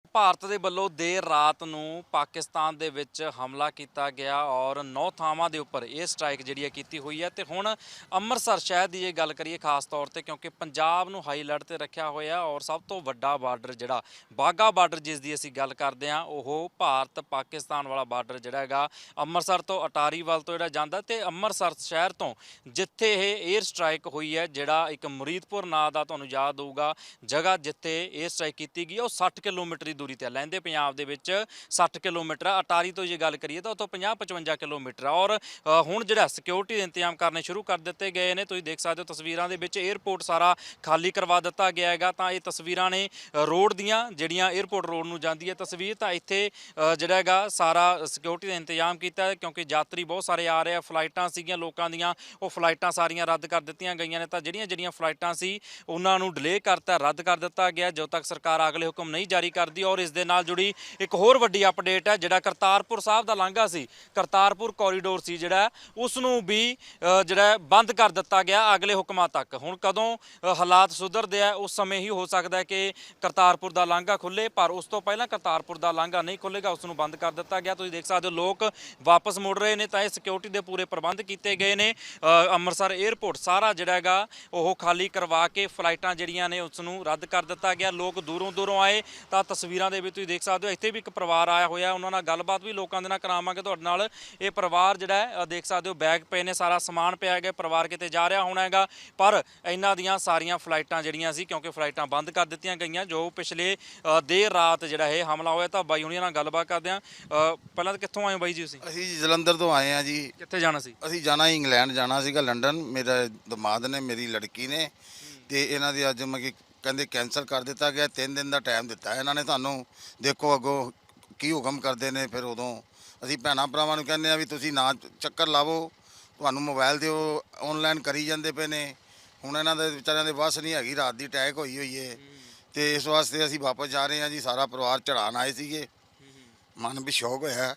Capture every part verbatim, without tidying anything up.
ਭਾਰਤ ਦੇ ਵੱਲੋਂ ਦੇਰ ਰਾਤ ਨੂੰ ਪਾਕਿਸਤਾਨ ਦੇ ਵਿੱਚ ਹਮਲਾ ਕੀਤਾ ਗਿਆ ਔਰ ਨੌ ਥਾਵਾਂ ਦੇ ਉੱਪਰ ਇਹ ਸਟ੍ਰਾਈਕ ਜਿਹੜੀ ਹੈ ਕੀਤੀ ਹੋਈ ਹੈ। ਤੇ ਹੁਣ ਅੰਮ੍ਰਿਤਸਰ ਸ਼ਹਿਰ ਦੀ ਜੇ ਗੱਲ ਕਰੀਏ ਖਾਸ ਤੌਰ ਤੇ, ਕਿਉਂਕਿ ਪੰਜਾਬ ਨੂੰ ਹਾਈ ਅਲਰਟ ਤੇ ਰੱਖਿਆ ਹੋਇਆ ਔਰ ਸਭ ਤੋਂ ਵੱਡਾ ਬਾਰਡਰ ਜਿਹੜਾ ਬਾਘਾ ਬਾਰਡਰ ਜਿਸ ਦੀ ਅਸੀਂ ਗੱਲ ਕਰਦੇ ਹਾਂ, ਉਹ ਭਾਰਤ ਪਾਕਿਸਤਾਨ ਵਾਲਾ ਬਾਰਡਰ ਜਿਹੜਾ ਹੈਗਾ ਅੰਮ੍ਰਿਤਸਰ ਤੋਂ ਅਟਾਰੀ ਵੱਲ ਤੋਂ ਜਿਹੜਾ ਜਾਂਦਾ ਤੇ ਅੰਮ੍ਰਿਤਸਰ ਸ਼ਹਿਰ ਤੋਂ ਜਿੱਥੇ ਇਹ 에ਅਰ ਸਟ੍ਰਾਈਕ ਹੋਈ ਹੈ, ਜਿਹੜਾ ਇੱਕ ਮੁਰੀਦਪੁਰ ਨਾਂ ਦਾ ਤੁਹਾਨੂੰ ਯਾਦ ਹੋਊਗਾ ਜਗ੍ਹਾ ਜਿੱਥੇ 에ਅਰ ਸਟ੍ਰਾਈਕ ਕੀਤੀ ਗਈ, ਉਹ ਸੱਠ ਕਿਲੋਮੀਟਰ ਦੀ ਦੂਰੀ ਤੇ ਲਹਿੰਦੇ ਪੰਜਾਬ ਦੇ ਵਿੱਚ ਸੱਠ ਕਿਲੋਮੀਟਰ ਆ। ਅਟਾਰੀ ਤੋਂ ਜੇ ਗੱਲ ਕਰੀਏ ਤਾਂ ਉਤੋਂ ਪੰਜਾਹ ਪਚਵੰਜਾ ਕਿਲੋਮੀਟਰ ਆ। ਔਰ ਹੁਣ ਜਿਹੜਾ ਸਿਕਿਉਰਿਟੀ ਦੇ ਇੰਤਜ਼ਾਮ ਕਰਨੇ ਸ਼ੁਰੂ ਕਰ ਦਿੱਤੇ ਗਏ ਨੇ। ਤੁਸੀਂ ਦੇਖ ਸਕਦੇ ਹੋ ਤਸਵੀਰਾਂ ਦੇ ਵਿੱਚ 에ਅਰਪੋਰਟ ਸਾਰਾ ਖਾਲੀ ਕਰਵਾ ਦਿੱਤਾ ਗਿਆ ਹੈਗਾ। ਤਾਂ ਇਹ ਤਸਵੀਰਾਂ ਨੇ ਰੋਡ ਦੀਆਂ, ਜਿਹੜੀਆਂ 에ਅਰਪੋਰਟ ਰੋਡ ਨੂੰ ਜਾਂਦੀ ਹੈ ਤਸਵੀਰ। ਤਾਂ ਇੱਥੇ ਜਿਹੜਾ ਹੈਗਾ ਸਾਰਾ ਸਿਕਿਉਰਿਟੀ ਦਾ ਇੰਤਜ਼ਾਮ ਕੀਤਾ ਹੈ, ਕਿਉਂਕਿ ਯਾਤਰੀ ਬਹੁਤ ਸਾਰੇ ਆ ਰਹੇ ਆ। ਫਲਾਈਟਾਂ ਸੀਗੀਆਂ ਲੋਕਾਂ ਦੀਆਂ, ਉਹ ਫਲਾਈਟਾਂ ਸਾਰੀਆਂ ਰੱਦ ਕਰ ਦਿੱਤੀਆਂ ਗਈਆਂ ਨੇ। ਤਾਂ ਜਿਹੜੀਆਂ ਜਿਹੜੀਆਂ ਫਲਾਈਟਾਂ ਸੀ ਉਹਨਾਂ ਨੂੰ ਡਿਲੇ ਕਰਤਾ, ਰੱਦ ਕਰ ਦਿੱਤਾ ਗਿਆ ਜਦੋਂ ਤੱਕ ਸਰਕਾਰ ਅਗਲੇ ਹੁਕਮ ਨਹੀਂ ਜਾਰੀ ਕਰਦੀ। ਔਰ ਇਸ ਦੇ ਨਾਲ ਜੁੜੀ ਇੱਕ ਹੋਰ ਵੱਡੀ ਅਪਡੇਟ ਹੈ, ਜਿਹੜਾ ਕਰਤਾਰਪੁਰ ਸਾਹਿਬ ਦਾ ਲਾਂਘਾ ਸੀ, ਕਰਤਾਰਪੁਰ ਕੋਰੀਡੋਰ ਸੀ ਜਿਹੜਾ, ਉਸ ਨੂੰ ਵੀ ਜਿਹੜਾ ਬੰਦ ਕਰ ਦਿੱਤਾ ਗਿਆ ਅਗਲੇ ਹੁਕਮਾਂ ਤੱਕ। ਹੁਣ ਕਦੋਂ ਹਾਲਾਤ ਸੁਧਰਦੇ ਆ ਉਸ ਸਮੇਂ ਹੀ ਹੋ ਸਕਦਾ ਹੈ ਕਿ ਕਰਤਾਰਪੁਰ ਦਾ ਲਾਂਘਾ ਖੁੱਲੇ, ਪਰ ਉਸ ਤੋਂ ਪਹਿਲਾਂ ਕਰਤਾਰਪੁਰ ਦਾ ਲਾਂਘਾ ਨਹੀਂ ਖੁੱਲੇਗਾ, ਉਸ ਨੂੰ ਬੰਦ ਕਰ ਦਿੱਤਾ ਗਿਆ। ਤੁਸੀਂ ਦੇਖ ਸਕਦੇ ਹੋ ਲੋਕ ਵਾਪਸ ਮੁੜ ਰਹੇ ਨੇ। ਤਾਂ ਇਹ ਸਿਕਿਉਰਿਟੀ ਦੇ ਪੂਰੇ ਪ੍ਰਬੰਧ ਕੀਤੇ ਗਏ ਨੇ। ਅੰਮ੍ਰਿਤਸਰ 에ਅਰਪੋਰਟ ਸਾਰਾ ਜਿਹੜਾ ਹੈਗਾ ਉਹ ਖਾਲੀ ਕਰਵਾ ਕੇ ਫਲਾਈਟਾਂ ਜਿਹੜੀਆਂ ਨੇ ਉਸ ਨੂੰ ਰੱਦ ਕਰ ਦਿੱਤਾ ਗਿਆ। ਲੋਕ ਦੂਰੋਂ ਦੂਰੋਂ ਆਏ। ਤਾਂ ਤਸਵੀਰਾਂ ਦੇ ਵਿੱਚ ਤੁਸੀਂ ਦੇਖ ਸਕਦੇ ਹੋ ਇੱਥੇ ਵੀ ਇੱਕ ਪਰਿਵਾਰ ਆਇਆ ਹੋਇਆ, ਉਹਨਾਂ ਨਾਲ ਗੱਲਬਾਤ ਵੀ ਲੋਕਾਂ ਦੇ ਨਾਲ ਕਰਾਵਾਂਗੇ ਤੁਹਾਡੇ ਨਾਲ। ਇਹ ਪਰਿਵਾਰ ਜਿਹੜਾ ਹੈ ਦੇਖ ਸਕਦੇ ਹੋ ਬੈਗ ਪਏ ਨੇ, ਸਾਰਾ ਸਮਾਨ ਪਿਆ ਹੈਗਾ, ਪਰਿਵਾਰ ਕਿਤੇ ਜਾ ਰਿਹਾ ਹੋਣਾ ਹੈਗਾ। ਪਰ ਇਹਨਾਂ ਦੀਆਂ ਸਾਰੀਆਂ ਫਲਾਈਟਾਂ ਜਿਹੜੀਆਂ ਸੀ, ਕਿਉਂਕਿ ਫਲਾਈਟਾਂ ਬੰਦ ਕਰ ਦਿੱਤੀਆਂ ਗਈਆਂ ਜੋ ਪਿਛਲੇ ਦੇਰ ਰਾਤ ਜਿਹੜਾ ਇਹ ਹਮਲਾ ਹੋਇਆ। ਤਾਂ ਬਾਈ ਹੁਣੀਆਂ ਨਾਲ ਗੱਲਬਾਤ ਕਰਦੇ ਹਾਂ। ਪਹਿਲਾਂ ਤਾਂ ਕਿੱਥੋਂ ਆਏ ਹੋ ਬਾਈ ਜੀ ਤੁਸੀਂ? ਅਸੀਂ ਜਲੰਧਰ ਤੋਂ ਆਏ ਹਾਂ ਜੀ। ਕਿੱਥੇ ਜਾਣਾ ਸੀ? ਅਸੀਂ ਜਾਣਾ ਇੰਗਲੈਂਡ ਜਾਣਾ ਸੀਗਾ, ਲੰਡਨ। ਮੇਰਾ ਦਮਾਦ ਨੇ, ਮੇਰੀ ਲੜਕੀ ਨੇ, ਤੇ ਇਹਨਾਂ ਦੀ ਅੱਜ ਮੈਂ ਕਹਿੰਦੇ ਕੈਂਸਲ ਕਰ ਦਿੱਤਾ ਗਿਆ। ਤਿੰਨ ਦਿਨ ਦਾ ਟਾਈਮ ਦਿੱਤਾ ਇਹਨਾਂ ਨੇ ਤੁਹਾਨੂੰ। ਦੇਖੋ ਅੱਗੋਂ ਕੀ ਹੁਕਮ ਕਰਦੇ ਨੇ। ਫਿਰ ਉਦੋਂ ਅਸੀਂ ਭੈਣਾਂ ਭਰਾਵਾਂ ਨੂੰ ਕਹਿੰਦੇ ਆ ਵੀ ਤੁਸੀਂ ਨਾ ਚੱਕਰ ਲਾਵੋ, ਤੁਹਾਨੂੰ ਮੋਬਾਈਲ 'ਤੇ ਉਹ ਔਨਲਾਈਨ ਕਰੀ ਜਾਂਦੇ ਪਏ ਨੇ। ਹੁਣ ਇਹਨਾਂ ਦੇ ਵਿਚਾਰਿਆਂ ਦੇ ਵੱਸ ਨਹੀਂ ਹੈਗੀ, ਰਾਤ ਦੀ ਅਟੈਕ ਹੋਈ ਹੋਈ ਹੈ। ਤੇ ਇਸ ਵਾਸਤੇ ਅਸੀਂ ਵਾਪਸ ਜਾ ਰਹੇ ਹਾਂ ਜੀ। ਸਾਰਾ ਪਰਿਵਾਰ ਚੜ੍ਹਾਉਣ ਆਏ ਸੀਗੇ, ਮਨ ਵੀ ਸ਼ੌਕ ਹੋਇਆ।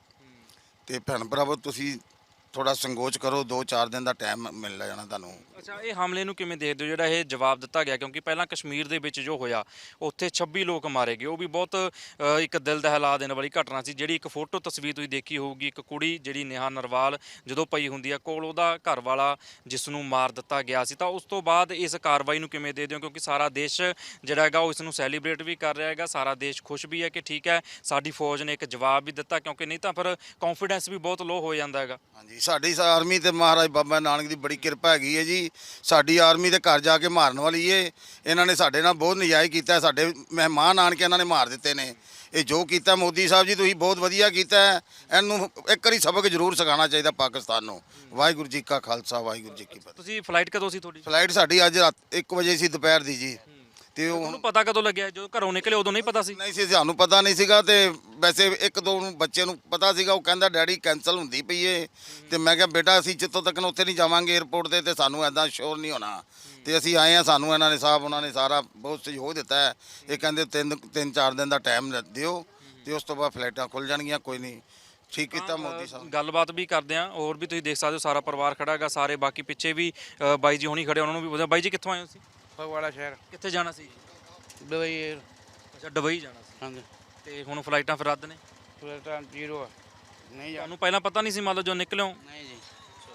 ਤੇ ਭੈਣ ਭਰਾਵੋ ਤੁਸੀਂ ਥੋੜਾ ਸੰਕੋਚ ਕਰੋ, ਦੋ ਚਾਰ ਦਿਨ ਦਾ ਟਾਈਮ ਮਿਲ ਜਾਣਾ ਤੁਹਾਨੂੰ। ਅੱਛਾ, ਇਹ ਹਮਲੇ ਨੂੰ ਕਿਵੇਂ ਦੇਖਦੇ ਹੋ ਜਿਹੜਾ ਇਹ ਜਵਾਬ ਦਿੱਤਾ ਗਿਆ? ਕਿਉਂਕਿ ਪਹਿਲਾਂ ਕਸ਼ਮੀਰ ਦੇ ਵਿੱਚ ਜੋ ਹੋਇਆ ਉੱਥੇ ਛੱਬੀ ਲੋਕ ਮਾਰੇ ਗਏ, ਉਹ ਵੀ ਬਹੁਤ ਇੱਕ ਦਿਲ ਦਹਿਲਾ ਦੇਣ ਵਾਲੀ ਘਟਨਾ ਸੀ। ਜਿਹੜੀ ਇੱਕ ਫੋਟੋ ਤਸਵੀਰ ਤੁਸੀਂ ਦੇਖੀ ਹੋਊਗੀ, ਇੱਕ ਕੁੜੀ ਜਿਹੜੀ ਨੇਹਾ ਨਰਵਾਲ ਜਦੋਂ ਪਈ ਹੁੰਦੀ ਆ ਕੋਲ, ਉਹਦਾ ਘਰ ਵਾਲਾ ਜਿਸ ਨੂੰ ਮਾਰ ਦਿੱਤਾ ਗਿਆ ਸੀ। ਤਾਂ ਉਸ ਤੋਂ ਬਾਅਦ ਇਸ ਕਾਰਵਾਈ ਨੂੰ ਕਿਵੇਂ ਦੇਖਦੇ ਹੋ? ਕਿਉਂਕਿ ਸਾਰਾ ਦੇਸ਼ ਜਿਹੜਾ ਹੈਗਾ ਉਹ ਇਸ ਨੂੰ ਸੈਲੀਬ੍ਰੇਟ ਵੀ ਕਰ ਰਿਹਾ ਹੈਗਾ, ਸਾਰਾ ਦੇਸ਼ ਖੁਸ਼ ਵੀ ਹੈ ਕਿ ਠੀਕ ਹੈ ਸਾਡੀ ਫੌਜ ਨੇ ਇੱਕ ਜਵਾਬ ਵੀ ਦਿੱਤਾ, ਕਿਉਂਕਿ ਨਹੀਂ ਤਾਂ ਫਿਰ ਕੌਨਫੀਡੈਂਸ ਵੀ ਬਹੁਤ ਲੋ ਹੋ ਜਾਂਦਾ ਹੈਗਾ। ਹਾਂਜੀ, ਸਾਡੀ ਆਰਮੀ ਤੇ ਮਹਾਰਾਜ ਬਾਬਾ ਨਾਨਕ ਦੀ ਬੜੀ ਕਿਰਪਾ ਹੈਗੀ ਹੈ ਜੀ। ਸਾਡੀ ਆਰਮੀ ਦੇ ਘਰ ਜਾ ਕੇ ਮਾਰਨ ਵਾਲੀ ਏ। ਇਹਨਾਂ ਨੇ ਸਾਡੇ ਨਾਲ ਬਹੁਤ ਨਜਾਇਜ਼ ਕੀਤਾ, ਸਾਡੇ ਮਹਿਮਾਨ ਆਣ ਕੇ ਇਹਨਾਂ ਨੇ ਮਾਰ ਦਿੱਤੇ ਨੇ। ਇਹ ਜੋ ਕੀਤਾ ਮੋਦੀ ਸਾਹਿਬ ਜੀ ਤੁਸੀਂ ਬਹੁਤ ਵਧੀਆ ਕੀਤਾ। ਇਹਨੂੰ ਇੱਕ ਵਾਰੀ ਸਬਕ ਜ਼ਰੂਰ ਸਿਖਾਉਣਾ ਚਾਹੀਦਾ ਪਾਕਿਸਤਾਨ ਨੂੰ। ਵਾਹਿਗੁਰੂ ਜੀ ਕਾ ਖਾਲਸਾ, ਵਾਹਿਗੁਰੂ ਜੀ ਕੀ ਫਤਿਹ। ਤੁਸੀਂ ਫਲਾਈਟ ਕਦੋਂ ਸੀ ਤੁਹਾਡੀ? ਫਲਾਈਟ ਸਾਡੀ ਅੱਜ ਰਾਤ ਇੱਕ ਵਜੇ ਸੀ, ਦੁਪਹਿਰ ਦੀ ਜੀ। ਤੇ ਉਹਨੂੰ ਪਤਾ ਕਦੋਂ ਲੱਗਿਆ? ਜਦੋਂ ਘਰੋਂ ਨਿਕਲੇ ਉਦੋਂ ਨਹੀਂ ਪਤਾ ਸੀ? ਨਹੀਂ ਸੀ, ਸਾਨੂੰ ਪਤਾ ਨਹੀਂ ਸੀਗਾ। ਤੇ ਵੈਸੇ ਇੱਕ ਦੋ ਨੂੰ ਬੱਚੇ ਨੂੰ ਪਤਾ ਸੀਗਾ, ਉਹ ਕਹਿੰਦਾ ਡੈਡੀ ਕੈਂਸਲ ਹੁੰਦੀ ਪਈ ਏ। ਤੇ ਮੈਂ ਕਿਹਾ ਬੇਟਾ ਅਸੀਂ ਜਿੱਥੋਂ ਤੱਕ ਉੱਥੇ ਨਹੀਂ ਜਾਵਾਂਗੇ 에ਅਰਪੋਰਟ 'ਤੇ, ਤੇ ਸਾਨੂੰ ਐਦਾਂ ਸ਼ੋਰ ਨਹੀਂ ਹੋਣਾ। ਤੇ ਅਸੀਂ ਆਏ ਹਾਂ, ਸਾਨੂੰ ਇਹਨਾਂ ਨੇ ਸਾਹਿਬ ਉਹਨਾਂ ਨੇ ਸਾਰਾ ਬਹੁਤ ਸਹਿਯੋਗ ਦਿੱਤਾ ਹੈ। ਇਹ ਕਹਿੰਦੇ ਤਿੰਨ ਤਿੰਨ ਚਾਰ ਦਿਨ ਦਾ ਟਾਈਮ ਦਿਓ ਤੇ ਉਸ ਤੋਂ ਬਾਅਦ ਫਲਾਈਟਾਂ ਖੁੱਲ੍ਹ ਜਾਣਗੀਆਂ। ਕੋਈ ਨਹੀਂ, ਠੀਕ ਕੀਤਾ ਮੋਦੀ ਸਾਹਿਬ। ਗੱਲਬਾਤ ਵੀ ਕਰਦੇ ਹਾਂ। ਹੋਰ ਵੀ ਤੁਸੀਂ ਦੇਖ ਸਕਦੇ ਹੋ ਸਾਰਾ ਪਰਿਵਾਰ ਖੜਾ ਹੈਗਾ, ਸਾਰੇ ਬਾਕੀ ਪਿੱਛੇ ਵੀ ਬਾਈ ਜੀ ਹੁਣੀ ਖੜੇ, ਉਹਨਾਂ ਨੂੰ ਵੀ ਪੁੱਛਿਆ। ਬਾਈ ਜੀ ਕਿੱਥੋਂ ਆਏ ਹੋ? ਸੀ ਫਗਵਾੜਾ ਸ਼ਹਿਰ। ਕਿੱਥੇ ਜਾਣਾ ਸੀ? ਦੁਬਈ। ਅੱਛਾ, ਦੁਬਈ ਜਾਣਾ ਸੀ। ਹਾਂਜੀ। ਤੇ ਹੁਣ ਫਲਾਈਟਾਂ ਫਿਰ ਰੱਦ ਨੇ? ਫਲਾਈਟਾਂ ਜ਼ੀਰੋ ਆ, ਨਹੀਂ ਜਾ। ਤੁਹਾਨੂੰ ਪਹਿਲਾਂ ਪਤਾ ਨਹੀਂ ਸੀ ਮੰਨ ਲਓ ਜੋ ਨਿਕਲਿਓ? ਨਹੀਂ ਜੀ,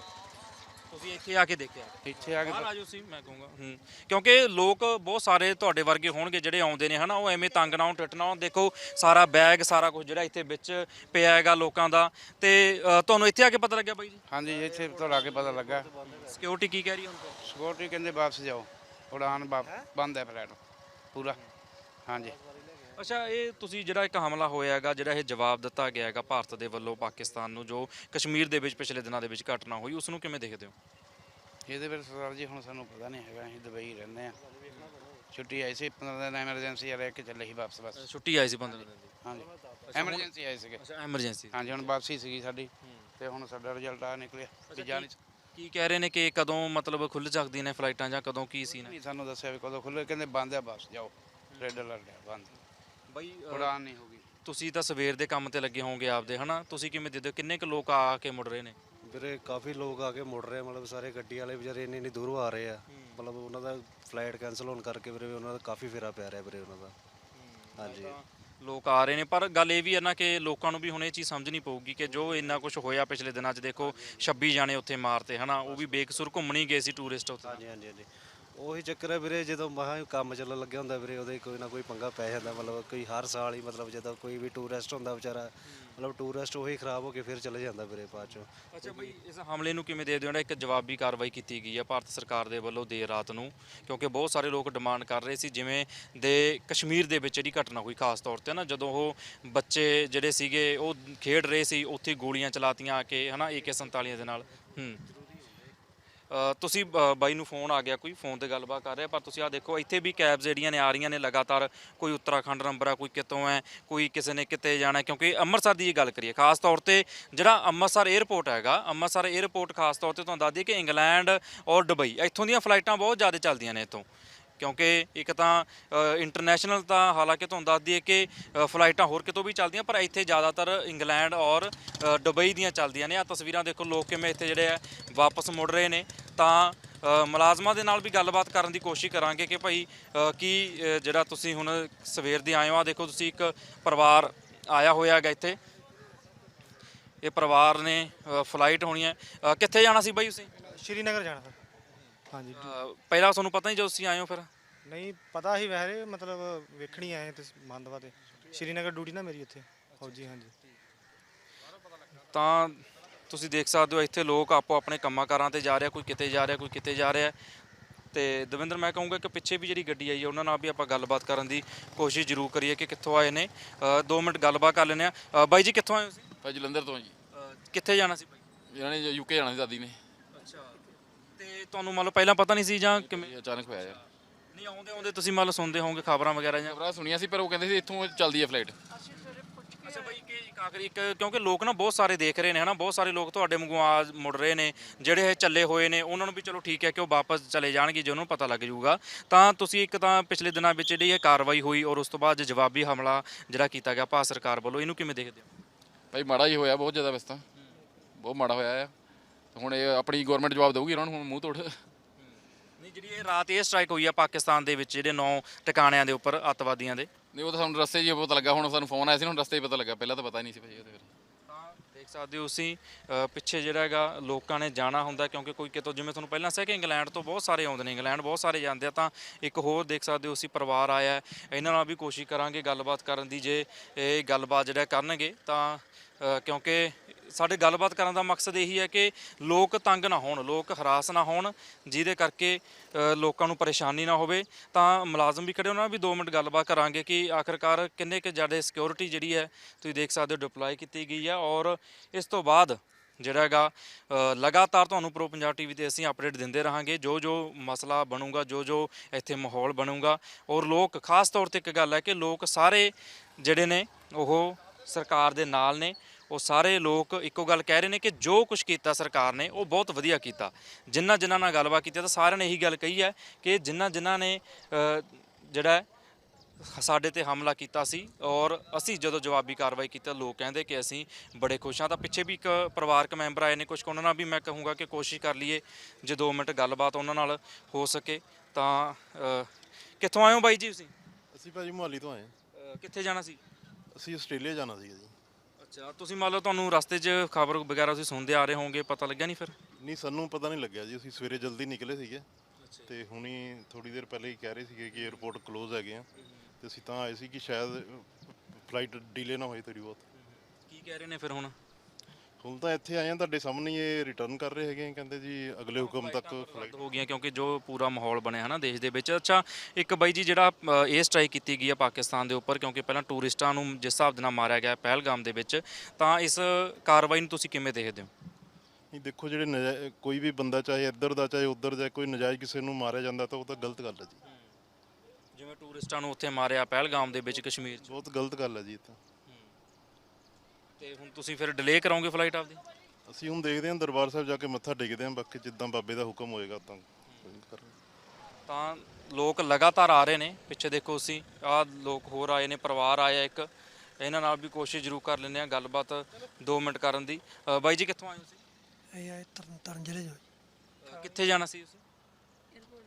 ਤੁਸੀਂ ਇੱਥੇ ਆ ਕੇ ਦੇਖਿਆ? ਇੱਥੇ ਆ ਕੇ ਬਾਹਰ ਆ ਜਾਓ ਸੀ ਮੈਂ ਕਹੂੰਗਾ। ਹੂੰ, ਕਿਉਂਕਿ ਲੋਕ ਬਹੁਤ ਸਾਰੇ ਤੁਹਾਡੇ ਵਰਗੇ ਹੋਣਗੇ ਜਿਹੜੇ ਆਉਂਦੇ ਨੇ ਹਨਾ, ਉਹ ਐਵੇਂ ਤੰਗ ਨਾ ਹੋਣ, ਟਿੱਟ ਨਾ ਹੋਣ। ਦੇਖੋ ਸਾਰਾ ਬੈਗ ਸਾਰਾ ਕੁਝ ਜਿਹੜਾ ਇੱਥੇ ਵਿੱਚ ਪਿਆ ਹੈਗਾ ਲੋਕਾਂ ਦਾ। ਤੇ ਤੁਹਾਨੂੰ ਇੱਥੇ ਆ ਕੇ ਪਤਾ ਲੱਗਿਆ ਬਾਈ ਜੀ? ਹਾਂਜੀ, ਇੱਥੇ ਤੋਂ ਆ ਕੇ ਪਤਾ ਲੱਗਾ। ਸਿਕਿਉਰਿਟੀ ਕੀ ਕਹਿ ਰਹੀ ਹੁਣ? ਸਿਕਿਉਰਿਟੀ ਕਹਿੰਦੇ ਵਾਪਸ ਜਾਓ, ਉਡਾਨ ਬੰਦ ਹੈ ਫਲਾਈਟ ਪੂਰਾ। ਹਾਂਜੀ। ਅੱਛਾ, ਇਹ ਤੁਸੀਂ ਜਿਹੜਾ ਇੱਕ ਹਮਲਾ ਹੋਇਆ ਹੈਗਾ, ਜਿਹੜਾ ਇਹ ਜਵਾਬ ਦਿੱਤਾ ਗਿਆ ਹੈਗਾ ਭਾਰਤ ਦੇ ਵੱਲੋਂ ਪਾਕਿਸਤਾਨ ਨੂੰ, ਜੋ ਕਸ਼ਮੀਰ ਦੇ ਵਿੱਚ ਪਿਛਲੇ ਦਿਨਾਂ ਦੇ ਵਿੱਚ ਘਟਨਾ ਹੋਈ, ਉਸ ਨੂੰ ਕਿਵੇਂ ਦੇਖਦੇ ਹੋ? ਇਹਦੇ ਵਿੱਚ ਸਰਦਾਰ ਜੀ ਹੁਣ ਸਾਨੂੰ ਪਤਾ ਨਹੀਂ ਹੈਗਾ, ਅਸੀਂ ਦੁਬਈ ਰਹਿੰਦੇ ਹਾਂ। ਛੁੱਟੀ ਆਈ ਸੀ ਪੰਦਰਾਂ ਦਿਨ, ਐਮਰਜੈਂਸੀ ਰਹਿ ਕੇ ਚੱਲੇ ਸੀ ਵਾਪਸ। ਬਸ ਛੁੱਟੀ ਆਈ ਸੀ ਪੰਦਰਾਂ ਦਿਨ ਦੀ? ਹਾਂਜੀ, ਐਮਰਜੈਂਸੀ ਆਏ ਸੀਗੇ। ਅੱਛਾ, ਐਮਰਜੈਂਸੀ। ਹਾਂਜੀ, ਹੁਣ ਵਾਪਸੀ ਸੀਗੀ ਸਾਡੀ। ਤੇ ਹੁਣ ਸਾਡਾ ਰਿਜ਼ਲਟ ਆ ਨਿਕਲਿਆ ਵੀ ਜਾ ਨਹੀਂ। ਕੀ ਕਹਿ ਰਹੇ ਨੇ ਕਿ ਕਦੋਂ ਮਤਲਬ ਖੁੱਲ੍ਹ ਸਕਦੀਆਂ ਨੇ ਫਲਾਈਟਾਂ ਜਾਂ ਕਦੋਂ ਕੀ ਸੀ? ਨਹੀਂ ਸਾਨੂੰ ਦੱਸਿਆ ਵੀ ਕਦੋਂ ਖੁੱਲ੍ਹੇ, ਕਹਿੰਦੇ ਬੰਦ ਆ, ਵਾਪਸ ਜਾਓ। ਰੈੱਡ ਅਲਰਟ ਹੈ, ਬੰਦ। ਬਾਈ ਉਡਾਨ ਨਹੀਂ ਹੋਗੀ। ਤੁਸੀਂ ਤਾਂ ਸਵੇਰ ਦੇ ਕੰਮ ਤੇ ਲੱਗੇ ਹੋਵੋਗੇ ਆਪਦੇ ਹਨਾ, ਤੁਸੀਂ ਕਿਵੇਂ ਦੇਖਦੇ ਹੋ ਕਿੰਨੇ ਕੁ ਲੋਕ ਆ ਕੇ ਮੁੜ ਰਹੇ ਨੇ? ਵੀਰੇ ਕਾਫੀ ਲੋਕ ਆ ਕੇ ਮੁੜ ਰਹੇ, ਮਤਲਬ ਸਾਰੇ ਗੱਡੀ ਵਾਲੇ ਵਿਚਾਰੇ ਇੰਨੀ ਇੰਨੀ ਦੂਰੋਂ ਆ ਰਹੇ ਆ। ਮਤਲਬ ਉਹਨਾਂ ਦਾ ਫਲਾਈਟ ਕੈਂਸਲ ਹੋਣ ਕਰਕੇ ਵੀਰੇ ਉਹਨਾਂ ਦਾ ਕਾਫੀ ਫੇਰਾ ਪੈ ਰਿਹਾ ਵੀਰੇ ਉਹਨਾਂ ਦਾ। ਹਾਂਜੀ, ਲੋਕ ਆ ਰਹੇ ਨੇ, ਪਰ ਗੱਲ ਇਹ ਵੀ ਹੈ ਨਾ ਕਿ ਲੋਕਾਂ ਨੂੰ ਵੀ ਹੁਣ ਇਹ ਚੀਜ਼ ਸਮਝਣੀ ਪਊਗੀ ਕਿ ਜੋ ਇੰਨਾ ਕੁਝ ਹੋਇਆ ਪਿਛਲੇ ਦਿਨਾਂ 'ਚ, ਦੇਖੋ ਛੱਬੀ ਜਾਣੇ ਉੱਥੇ ਮਾਰਤੇ ਹਨਾ, ਉਹ ਵੀ ਬੇਕਸੂਰ ਘੁੰਮਣ ਹੀ ਗਏ ਸੀ ਟੂਰਿਸਟ ਉੱਥੇ। ਹਾਂਜੀ ਹਾਂਜੀ ਹਾਂਜੀ ਉਹੀ ਚੱਕਰ ਹੈ ਵੀਰੇ, ਜਦੋਂ ਮਹਾ ਕੰਮ ਚੱਲਣ ਲੱਗਿਆ ਹੁੰਦਾ ਵੀਰੇ ਉਹਦੇ ਕੋਈ ਨਾ ਕੋਈ ਪੰਗਾ ਪੈ ਜਾਂਦਾ। ਮਤਲਬ ਕੋਈ ਹਰ ਸਾਲ ਹੀ ਮਤਲਬ ਜਦੋਂ ਕੋਈ ਵੀ ਟੂਰਿਸਟ ਹੁੰਦਾ ਵਿਚਾਰਾ, ਮਤਲਬ ਟੂਰਿਸਟ ਉਹੀ ਖਰਾਬ ਹੋ ਕੇ ਫਿਰ ਚਲੇ ਜਾਂਦਾ ਵੀਰੇ ਬਾਅਦ ਚੋਂ। ਅੱਛਾ ਬਈ, ਇਸ ਹਮਲੇ ਨੂੰ ਕਿਵੇਂ ਦੇਖਦੇ ਹੋ? ਜਿਹੜਾ ਇੱਕ ਜਵਾਬੀ ਕਾਰਵਾਈ ਕੀਤੀ ਗਈ ਹੈ ਭਾਰਤ ਸਰਕਾਰ ਦੇ ਵੱਲੋਂ ਦੇਰ ਰਾਤ ਨੂੰ, ਕਿਉਂਕਿ ਬਹੁਤ ਸਾਰੇ ਲੋਕ ਡਿਮਾਂਡ ਕਰ ਰਹੇ ਸੀ, ਜਿਵੇਂ ਦੇ ਕਸ਼ਮੀਰ ਦੇ ਵਿੱਚ ਜਿਹੜੀ ਘਟਨਾ ਹੋਈ ਖਾਸ ਤੌਰ ਤੇ ਨਾ, ਜਦੋਂ ਉਹ ਬੱਚੇ ਜਿਹੜੇ ਸੀਗੇ ਉਹ ਖੇਡ ਰਹੇ ਸੀ, ਉੱਥੇ ਗੋਲੀਆਂ ਚਲਾਤੀਆਂ ਆ ਕੇ ਹਨਾ ਏ ਕੇ ਸੰਤਾਲੀ ਦੇ ਨਾਲ। ਹੂੰ ਅ, ਤੁਸੀਂ ਬ- ਬਾਈ ਨੂੰ ਫੋਨ ਆ ਗਿਆ, ਕੋਈ ਫੋਨ ਤੇ ਗੱਲਬਾਤ ਕਰ ਰਿਹਾ, ਪਰ ਤੁਸੀਂ ਆਹ ਦੇਖੋ ਇੱਥੇ ਵੀ ਕੈਬਸ ਜਿਹੜੀਆਂ ਨੇ ਆ ਰਹੀਆਂ ਨੇ ਲਗਾਤਾਰ, ਕੋਈ ਉੱਤਰਾਖੰਡ ਨੰਬਰ ਆ, ਕੋਈ ਕਿਤੋਂ ਹੈ, ਕੋਈ ਕਿਸੇ ਨੇ ਕਿਤੇ ਜਾਣਾ, ਕਿਉਂਕਿ ਅੰਮ੍ਰਿਤਸਰ ਦੀ ਇਹ ਗੱਲ ਕਰੀਏ ਖਾਸ ਤੌਰ ਤੇ, ਜਿਹੜਾ ਅੰਮ੍ਰਿਤਸਰ 에ਅਰਪੋਰਟ ਹੈਗਾ, ਅੰਮ੍ਰਿਤਸਰ 에ਅਰਪੋਰਟ ਖਾਸ ਤੌਰ ਤੇ ਤੁਹਾਨੂੰ ਦੱਸ ਦਈਏ ਕਿ ਇੰਗਲੈਂਡ ਔਰ ਦੁਬਈ ਇੱਥੋਂ ਦੀਆਂ ਫਲਾਈਟਾਂ ਬਹੁਤ ਜ਼ਿਆਦਾ ਚੱਲਦੀਆਂ ਨੇ ਇੱਥੋਂ, ਕਿਉਂਕਿ ਇੱਕ ਤਾਂ ਇੰਟਰਨੈਸ਼ਨਲ ਤਾਂ ਹਾਲਾਂਕਿ ਤੁਹਾਨੂੰ ਦੱਸ ਦਈਏ ਕਿ ਅ, ਫਲਾਈਟਾਂ ਹੋਰ ਕਿਤੋਂ ਵੀ ਚੱਲਦੀਆਂ, ਪਰ ਇੱਥੇ ਜ਼ਿਆਦਾਤਰ ਇੰਗਲੈਂਡ ਔਰ ਅ, ਦੁਬਈ ਦੀਆਂ ਚੱਲਦੀਆਂ ਨੇ। ਆ ਤਸਵੀਰਾਂ ਦੇਖੋ, ਲੋਕ ਕਿਵੇਂ ਇੱਥੇ ਜਿਹੜੇ ਆ ਵਾਪਸ ਮੁੜ ਰਹੇ ਨੇ। ਤਾਂ ਅ, ਮੁਲਾਜ਼ਮਾਂ ਦੇ ਨਾਲ ਵੀ ਗੱਲਬਾਤ ਕਰਨ ਦੀ ਕੋਸ਼ਿਸ਼ ਕਰਾਂਗੇ ਕਿ ਭਾਈ ਅ, ਕੀ ਅ, ਜਿਹੜਾ ਤੁਸੀਂ ਹੁਣ ਸਵੇਰ ਦੇ ਆਏ ਹੋ, ਆ ਦੇਖੋ ਤੁਸੀਂ ਇੱਕ ਪਰਿਵਾਰ ਆਇਆ ਹੋਇਆ ਹੈਗਾ ਇੱਥੇ, ਇਹ ਪਰਿਵਾਰ ਨੇ ਅ, ਫਲਾਈਟ ਹੋਣੀ ਹੈ। ਅ, ਕਿੱਥੇ ਜਾਣਾ ਸੀ ਬਾਈ ਤੁਸੀਂ? ਸ਼੍ਰੀਨਗਰ ਜਾਣਾ ਸਰ। ਹਾਂਜੀ ਅ, ਪਹਿਲਾਂ ਤੁਹਾਨੂੰ ਪਤਾ ਨਹੀਂ ਜਦੋਂ ਤੁਸੀਂ ਆਏ ਹੋ ਫਿਰ? ਨਹੀਂ ਪਤਾ ਹੀ ਵੈਸੇ, ਮਤਲਬ ਵੇਖਣੀ ਆਏ ਤੇ ਮੰਦਵਾ ਤੇ ਸ਼੍ਰੀਨਗਰ ਡਿਊਟੀ ਨਾ ਮੇਰੀ ਉੱਥੇ ਫੌਜੀ। ਹਾਂਜੀ ਤਾਂ ਤੁਸੀਂ ਦੇਖ ਸਕਦੇ ਹੋ ਇੱਥੇ ਲੋਕ ਆਪੋ ਆਪਣੇ ਕੰਮਾਂ ਕਾਰਾਂ ਤੇ ਜਾ ਰਿਹਾ, ਕੋਈ ਕਿਤੇ ਜਾ ਰਿਹਾ, ਕੋਈ ਕਿਤੇ ਜਾ ਰਿਹਾ। ਤੇ ਦਵਿੰਦਰ, ਮੈਂ ਕਹੂੰਗਾ ਕਿ ਪਿੱਛੇ ਵੀ ਜਿਹੜੀ ਗੱਡੀ ਆਈ ਹੈ ਉਹਨਾਂ ਨਾਲ ਵੀ ਆਪਾਂ ਗੱਲਬਾਤ ਕਰਨ ਦੀ ਕੋਸ਼ਿਸ਼ ਜ਼ਰੂਰ ਕਰੀਏ ਕਿ ਕਿੱਥੋਂ ਆਏ ਨੇ। ਅ, ਦੋ ਮਿੰਟ ਗੱਲਬਾਤ ਕਰ ਲੈਂਦੇ ਆ। ਬਾਈ ਜੀ ਕਿੱਥੋਂ ਆਏ ਹੋ ਤੁਸੀਂ? ਭਾਈ ਜਲੰਧਰ ਤੋਂ ਜੀ। ਅ, ਕਿੱਥੇ ਜਾਣਾ ਸੀ ਬਾਈ? ਇਹਨਾਂ ਨੇ ਯੂਕੇ ਜਾਣਾ ਸੀ ਦਾਦੀ ਨੇ। ਅੱਛਾ, ਤੇ ਤੁਹਾਨੂੰ ਮੰਨ ਲਓ ਪਹਿਲਾਂ ਪਤਾ ਨਹੀਂ ਸੀ ਜਾਂ ਕਿਵੇਂ? ਇਹ ਅਚਾਨਕ ਹੋਇਆ ਯਾਰ। ਨਹੀਂ, ਆਉਂਦੇ ਆਉਂਦੇ ਤੁਸੀਂ ਮੰਨ ਲਓ ਸੁਣਦੇ ਹੋਵੋਗੇ ਖਬਰਾਂ ਵਗੈਰਾ ਜਾਂ? ਖਬਰਾਂ ਸੁਣੀਆਂ ਸੀ ਪਰ ਉਹ ਕਹਿੰਦੇ ਸੀ ਇੱਥੋਂ ਚੱਲਦੀ ਹੈ ਫਲਾਈਟ। ਅੱਛਾ ਬਾਈ, ਕਿ ਇੱਕ ਆਖਰੀ ਇੱਕ, ਕਿਉਂਕਿ ਲੋਕ ਨਾ ਬਹੁਤ ਸਾਰੇ ਦੇਖ ਰਹੇ ਨੇ ਹਨਾ, ਬਹੁਤ ਸਾਰੇ ਲੋਕ ਤੁਹਾਡੇ ਵਾਂਗੂ ਆ ਮੁੜ ਰਹੇ ਨੇ, ਜਿਹੜੇ ਇਹ ਚੱਲੇ ਹੋਏ ਨੇ ਉਹਨਾਂ ਨੂੰ ਵੀ ਚਲੋ ਠੀਕ ਹੈ ਕਿ ਉਹ ਵਾਪਸ ਚਲੇ ਜਾਣਗੇ ਜੇ ਉਹਨੂੰ ਪਤਾ ਲੱਗ ਜਾਊਗਾ। ਤਾਂ ਤੁਸੀਂ ਇੱਕ ਤਾਂ ਪਿਛਲੇ ਦਿਨਾਂ ਵਿੱਚ ਜਿਹੜੀ ਇਹ ਕਾਰਵਾਈ ਹੋਈ ਔਰ ਉਸ ਤੋਂ ਬਾਅਦ ਜਵਾਬੀ ਹਮਲਾ ਜਿਹੜਾ ਕੀਤਾ ਗਿਆ ਭਾਰਤ ਸਰਕਾਰ ਵੱਲੋਂ, ਇਹਨੂੰ ਕਿਵੇਂ ਦੇਖਦੇ ਹੋ? ਭਾਈ ਮਾੜਾ ਹੀ ਹੋਇਆ, ਬਹੁਤ ਜ਼ਿਆਦਾ ਵੈਸੇ ਤਾਂ ਬਹੁਤ ਮਾੜਾ ਹੋਇਆ ਆ। ਹੁਣ ਇਹ ਆਪਣੀ ਗਵਰਨਮੈਂਟ ਜਵਾਬ ਦੇਊਗੀ ਇਹਨਾਂ ਨੂੰ ਹੁਣ ਮੂੰਹ ਤੋੜ। ਨਹੀਂ, ਜਿਹੜੀ ਇਹ ਰਾਤ ਇਹ ਸਟ੍ਰਾਈਕ ਹੋਈ ਆ ਪਾਕਿਸਤਾਨ ਦੇ ਵਿੱਚ ਜਿਹੜੇ ਨੌ ਟਿਕਾਣਿਆਂ ਦੇ ਉੱਪਰ ਅੱਤਵਾਦੀਆਂ ਦੇ, ਨਹੀਂ ਉਹ ਤਾਂ ਸਾਨੂੰ ਰਸਤੇ 'ਚ ਹੀ ਪਤਾ ਲੱਗਾ, ਹੁਣ ਸਾਨੂੰ ਫੋਨ ਆਇਆ ਸੀ, ਹੁਣ ਰਸਤੇ 'ਚ ਪਤਾ ਲੱਗਾ, ਪਹਿਲਾਂ ਤਾਂ ਪਤਾ ਹੀ ਨਹੀਂ ਸੀ ਭਾਈ ਉਹਦੇ ਫਿਰ। ਤਾਂ ਦੇਖ ਸਕਦੇ ਹੋ ਤੁਸੀਂ ਅ, ਪਿੱਛੇ ਜਿਹੜਾ ਹੈਗਾ ਲੋਕਾਂ ਨੇ ਜਾਣਾ ਹੁੰਦਾ, ਕਿਉਂਕਿ ਕੋਈ ਕਿਤੋਂ, ਜਿਵੇਂ ਤੁਹਾਨੂੰ ਪਹਿਲਾਂ ਦੱਸਿਆ ਕਿ ਇੰਗਲੈਂਡ ਤੋਂ ਬਹੁਤ ਸਾਰੇ ਆਉਂਦੇ ਨੇ, ਇੰਗਲੈਂਡ ਬਹੁਤ ਸਾਰੇ ਜਾਂਦੇ ਆ। ਤਾਂ ਇੱਕ ਹੋਰ ਦੇਖ ਸਕਦੇ ਹੋ ਅਸੀਂ ਪਰਿਵਾਰ ਆਇਆ ਹੈ, ਇਹਨਾਂ ਨਾਲ ਵੀ ਕੋਸ਼ਿਸ਼ ਕਰਾਂਗੇ ਗੱਲਬਾਤ ਕਰਨ ਦੀ, ਜੇ ਇਹ ਗੱਲਬਾਤ ਜਿਹੜਾ ਕਰਨਗੇ ਤਾਂ ਅ, ਕਿਉਂਕਿ ਸਾਡੇ ਗੱਲਬਾਤ ਕਰਨ ਦਾ ਮਕਸਦ ਇਹੀ ਹੈ ਕਿ ਲੋਕ ਤੰਗ ਨਾ ਹੋਣ, ਲੋਕ ਹਰਾਸ ਨਾ ਹੋਣ, ਜਿਹਦੇ ਕਰਕੇ ਅ, ਲੋਕਾਂ ਨੂੰ ਪਰੇਸ਼ਾਨੀ ਨਾ ਹੋਵੇ। ਤਾਂ ਮੁਲਾਜ਼ਮ ਵੀ ਖੜੇ, ਉਹਨਾਂ ਨਾਲ ਵੀ ਦੋ ਮਿੰਟ ਗੱਲਬਾਤ ਕਰਾਂਗੇ ਕਿ ਆਖਰਕਾਰ ਕਿੰਨੇ ਕੁ ਜ਼ਿਆਦਾ ਸਿਕਿਉਰਿਟੀ ਜਿਹੜੀ ਹੈ ਤੁਸੀਂ ਦੇਖ ਸਕਦੇ ਹੋ ਡਿਪਲੋਏ ਕੀਤੀ ਗਈ ਹੈ। ਔਰ ਇਸ ਤੋਂ ਬਾਅਦ ਜਿਹੜਾ ਹੈਗਾ ਅ, ਲਗਾਤਾਰ ਤੁਹਾਨੂੰ ਪ੍ਰੋ ਪੰਜਾਬ ਟੀਵੀ ਤੇ ਅਸੀਂ ਅਪਡੇਟ ਦਿੰਦੇ ਰਹਾਂਗੇ, ਜੋ ਜੋ ਮਸਲਾ ਬਣੂਗਾ, ਜੋ ਜੋ ਇੱਥੇ ਮਾਹੌਲ ਬਣੂਗਾ। ਔਰ ਲੋਕ ਖਾਸ ਤੌਰ ਤੇ ਇੱਕ ਗੱਲ ਹੈ ਕਿ ਲੋਕ ਸਾਰੇ ਜਿਹੜੇ ਨੇ ਉਹ ਸਰਕਾਰ ਦੇ ਨਾਲ ਨੇ, ਉਹ ਸਾਰੇ ਲੋਕ ਇੱਕੋ ਗੱਲ ਕਹਿ ਰਹੇ ਨੇ ਕਿ ਜੋ ਕੁਝ ਕੀਤਾ ਸਰਕਾਰ ਨੇ ਉਹ ਬਹੁਤ ਵਧੀਆ ਕੀਤਾ। ਜਿਨ੍ਹਾਂ ਜਿਨ੍ਹਾਂ ਨਾਲ ਗੱਲਬਾਤ ਕੀਤੀ ਤਾਂ ਸਾਰਿਆਂ ਨੇ ਇਹੀ ਗੱਲ ਕਹੀ ਹੈ ਕਿ ਜਿਨ੍ਹਾਂ ਜਿਨ੍ਹਾਂ ਨੇ ਅ, ਜਿਹੜਾ ਸਾਡੇ ਤੇ ਹਮਲਾ ਕੀਤਾ ਸੀ ਔਰ ਅਸੀਂ ਜਦੋਂ ਜਵਾਬੀ ਕਾਰਵਾਈ ਕੀਤੀ, ਲੋਕ ਕਹਿੰਦੇ ਕਿ ਅਸੀਂ ਬੜੇ ਖੁਸ਼ ਹਾਂ। ਤਾਂ ਪਿੱਛੇ ਵੀ ਇੱਕ ਪਰਿਵਾਰਕ ਮੈਂਬਰ ਆਏ ਨੇ, ਕੁਝ ਉਹਨਾਂ ਨਾਲ ਵੀ ਮੈਂ ਕਹੂੰਗਾ ਕਿ ਕੋਸ਼ਿਸ਼ ਕਰ ਲਈਏ ਜੇ ਦੋ ਮਿੰਟ ਗੱਲਬਾਤ ਉਹਨਾਂ ਨਾਲ ਹੋ ਸਕੇ। ਤਾਂ ਅ, ਕਿੱਥੋਂ ਆਏ ਹੋ ਬਾਈ ਜੀ ਤੁਸੀਂ? ਅਸੀਂ ਭਾਜੀ ਮੁਹਾਲੀ ਤੋਂ ਆਏ ਹਾਂ। ਅ, ਕਿੱਥੇ ਜਾਣਾ ਸੀ? ਅਸੀਂ ਆਸਟ੍ਰੇਲੀਆ ਜਾਣਾ ਸੀਗਾ ਜੀ। ਅੱਛਾ, ਤੁਸੀਂ ਮੰਨ ਲਓ ਤੁਹਾਨੂੰ ਰਸਤੇ 'ਚ ਖਬਰ ਵਗੈਰਾ ਤੁਸੀਂ ਸੁਣਦੇ ਆ ਰਹੇ ਹੋਵੋਗੇ, ਪਤਾ ਲੱਗਿਆ ਨਹੀਂ ਫਿਰ? ਨਹੀਂ ਸਾਨੂੰ ਪਤਾ ਨਹੀਂ ਲੱਗਿਆ ਜੀ, ਅਸੀਂ ਸਵੇਰੇ ਜਲਦੀ ਨਿਕਲੇ ਸੀਗੇ ਤੇ ਹੁਣੀ ਥੋੜੀ ਦੇਰ ਪਹਿਲੇ ਹੀ ਕਹਿ ਰਹੇ ਸੀਗੇ ਕਿ 에ਅਰਪੋਰਟ ਕਲੋਜ਼ ਹੈਗੇ ਆ, ਤੇ ਅਸੀਂ ਤਾਂ ਆਏ ਸੀ ਕਿ ਸ਼ਾਇਦ ਫਲਾਈਟ ਡੀਲੇ ਨਾ ਹੋਏ ਥੋੜੀ ਬਹੁਤ। ਕੀ ਕਹਿ ਰਹੇ ਨੇ ਫਿਰ ਹੁਣ? ਹੁਣ ਤਾਂ ਇੱਥੇ ਆਏ ਆ, ਤੁਹਾਡੇ ਸਾਹਮਣੇ ਇਹ ਰਿਟਰਨ ਕਰ ਰਹੇ ਹੈਗੇ ਆ, ਕਹਿੰਦੇ ਜੀ ਅਗਲੇ ਹੁਕਮ ਤੱਕ ਫਲਾਈਟ ਹੋ ਗਈਆਂ ਕਿਉਂਕਿ ਜੋ ਪੂਰਾ ਮਾਹੌਲ ਬਣਿਆ ਹੈ ਨਾ ਦੇਸ਼ ਦੇ ਵਿੱਚ। ਅੱਛਾ, ਇੱਕ ਬਾਈ ਜੀ ਜਿਹੜਾ ਅ, ਇਹ ਸਟ੍ਰਾਈਕ ਕੀਤੀ ਗਈ ਹੈ ਪਾਕਿਸਤਾਨ ਦੇ ਉੱਪਰ, ਕਿਉਂਕਿ ਪਹਿਲਾਂ ਟੂਰਿਸਟਾਂ ਨੂੰ ਜਿਸ ਹਿਸਾਬ ਦੇ ਨਾਲ ਮਾਰਿਆ ਗਿਆ ਪਹਿਲਗਾਮ ਦੇ ਵਿੱਚ, ਤਾਂ ਇਸ ਕਾਰਵਾਈ ਨੂੰ ਤੁਸੀਂ ਕਿਵੇਂ ਦੇਖਦੇ ਹੋ? ਨਹੀਂ ਦੇਖੋ, ਜਿਹੜੇ ਨਜਾ- ਕੋਈ ਵੀ ਬੰਦਾ ਚਾਹੇ ਇੱਧਰ ਦਾ ਚਾਹੇ ਉੱਧਰ ਦਾ, ਕੋਈ ਨਜਾਇਜ਼ ਕਿਸੇ ਨੂੰ ਮਾਰਿਆ ਜਾਂਦਾ ਤਾਂ ਉਹ ਤਾਂ ਗਲਤ ਗੱਲ ਹੈ ਜੀ। ਜਿਵੇਂ ਟੂਰਿਸਟਾਂ ਨੂੰ ਉੱਥੇ ਮਾਰਿਆ ਪਹਿਲਗਾਮ ਦੇ ਵਿੱਚ ਕਸ਼ਮੀਰ 'ਚ, ਬਹੁਤ ਗਲਤ ਗੱਲ ਹੈ ਜੀ ਇਹ ਤਾਂ। ਤੇ ਹੁਣ ਤੁਸੀਂ ਫਿਰ ਡਿਲੇ ਕਰਾਓਗੇ ਫਲਾਈਟ ਆਪਦੀ? ਅਸੀਂ ਹੁਣ ਦੇਖਦੇ ਹਾਂ, ਦਰਬਾਰ ਸਾਹਿਬ ਜਾ ਕੇ ਮੱਥਾ ਟੇਕਦੇ ਹਾਂ, ਬਾਕੀ ਜਿੱਦਾਂ ਬਾਬੇ ਦਾ ਹੁਕਮ ਹੋਏਗਾ ਤਾਂ ਕਰਾਂਗੇ। ਤਾਂ ਲੋਕ ਲਗਾਤਾਰ ਆ ਰਹੇ ਨੇ, ਪਿੱਛੇ ਦੇਖੋ ਤੁਸੀਂ ਆਹ ਲੋਕ ਹੋਰ ਆਏ ਨੇ, ਪਰਿਵਾਰ ਆਇਆ ਇੱਕ, ਇਹਨਾਂ ਨਾਲ ਵੀ ਕੋਸ਼ਿਸ਼ ਜ਼ਰੂਰ ਕਰ ਲੈਂਦੇ ਆ ਗੱਲਬਾਤ ਦੋ ਮਿੰਟ ਕਰਨ ਦੀ। ਅ, ਬਾਈ ਜੀ ਕਿੱਥੋਂ ਆਏ ਹੋ ਤੁਸੀਂ? ਇਹ ਆਏ ਤਰਨ ਤਾਰਨ ਜ਼ਿਲ੍ਹੇ ਚੋਂ। ਅ, ਕਿੱਥੇ ਜਾਣਾ ਸੀ ਤੁਸੀਂ?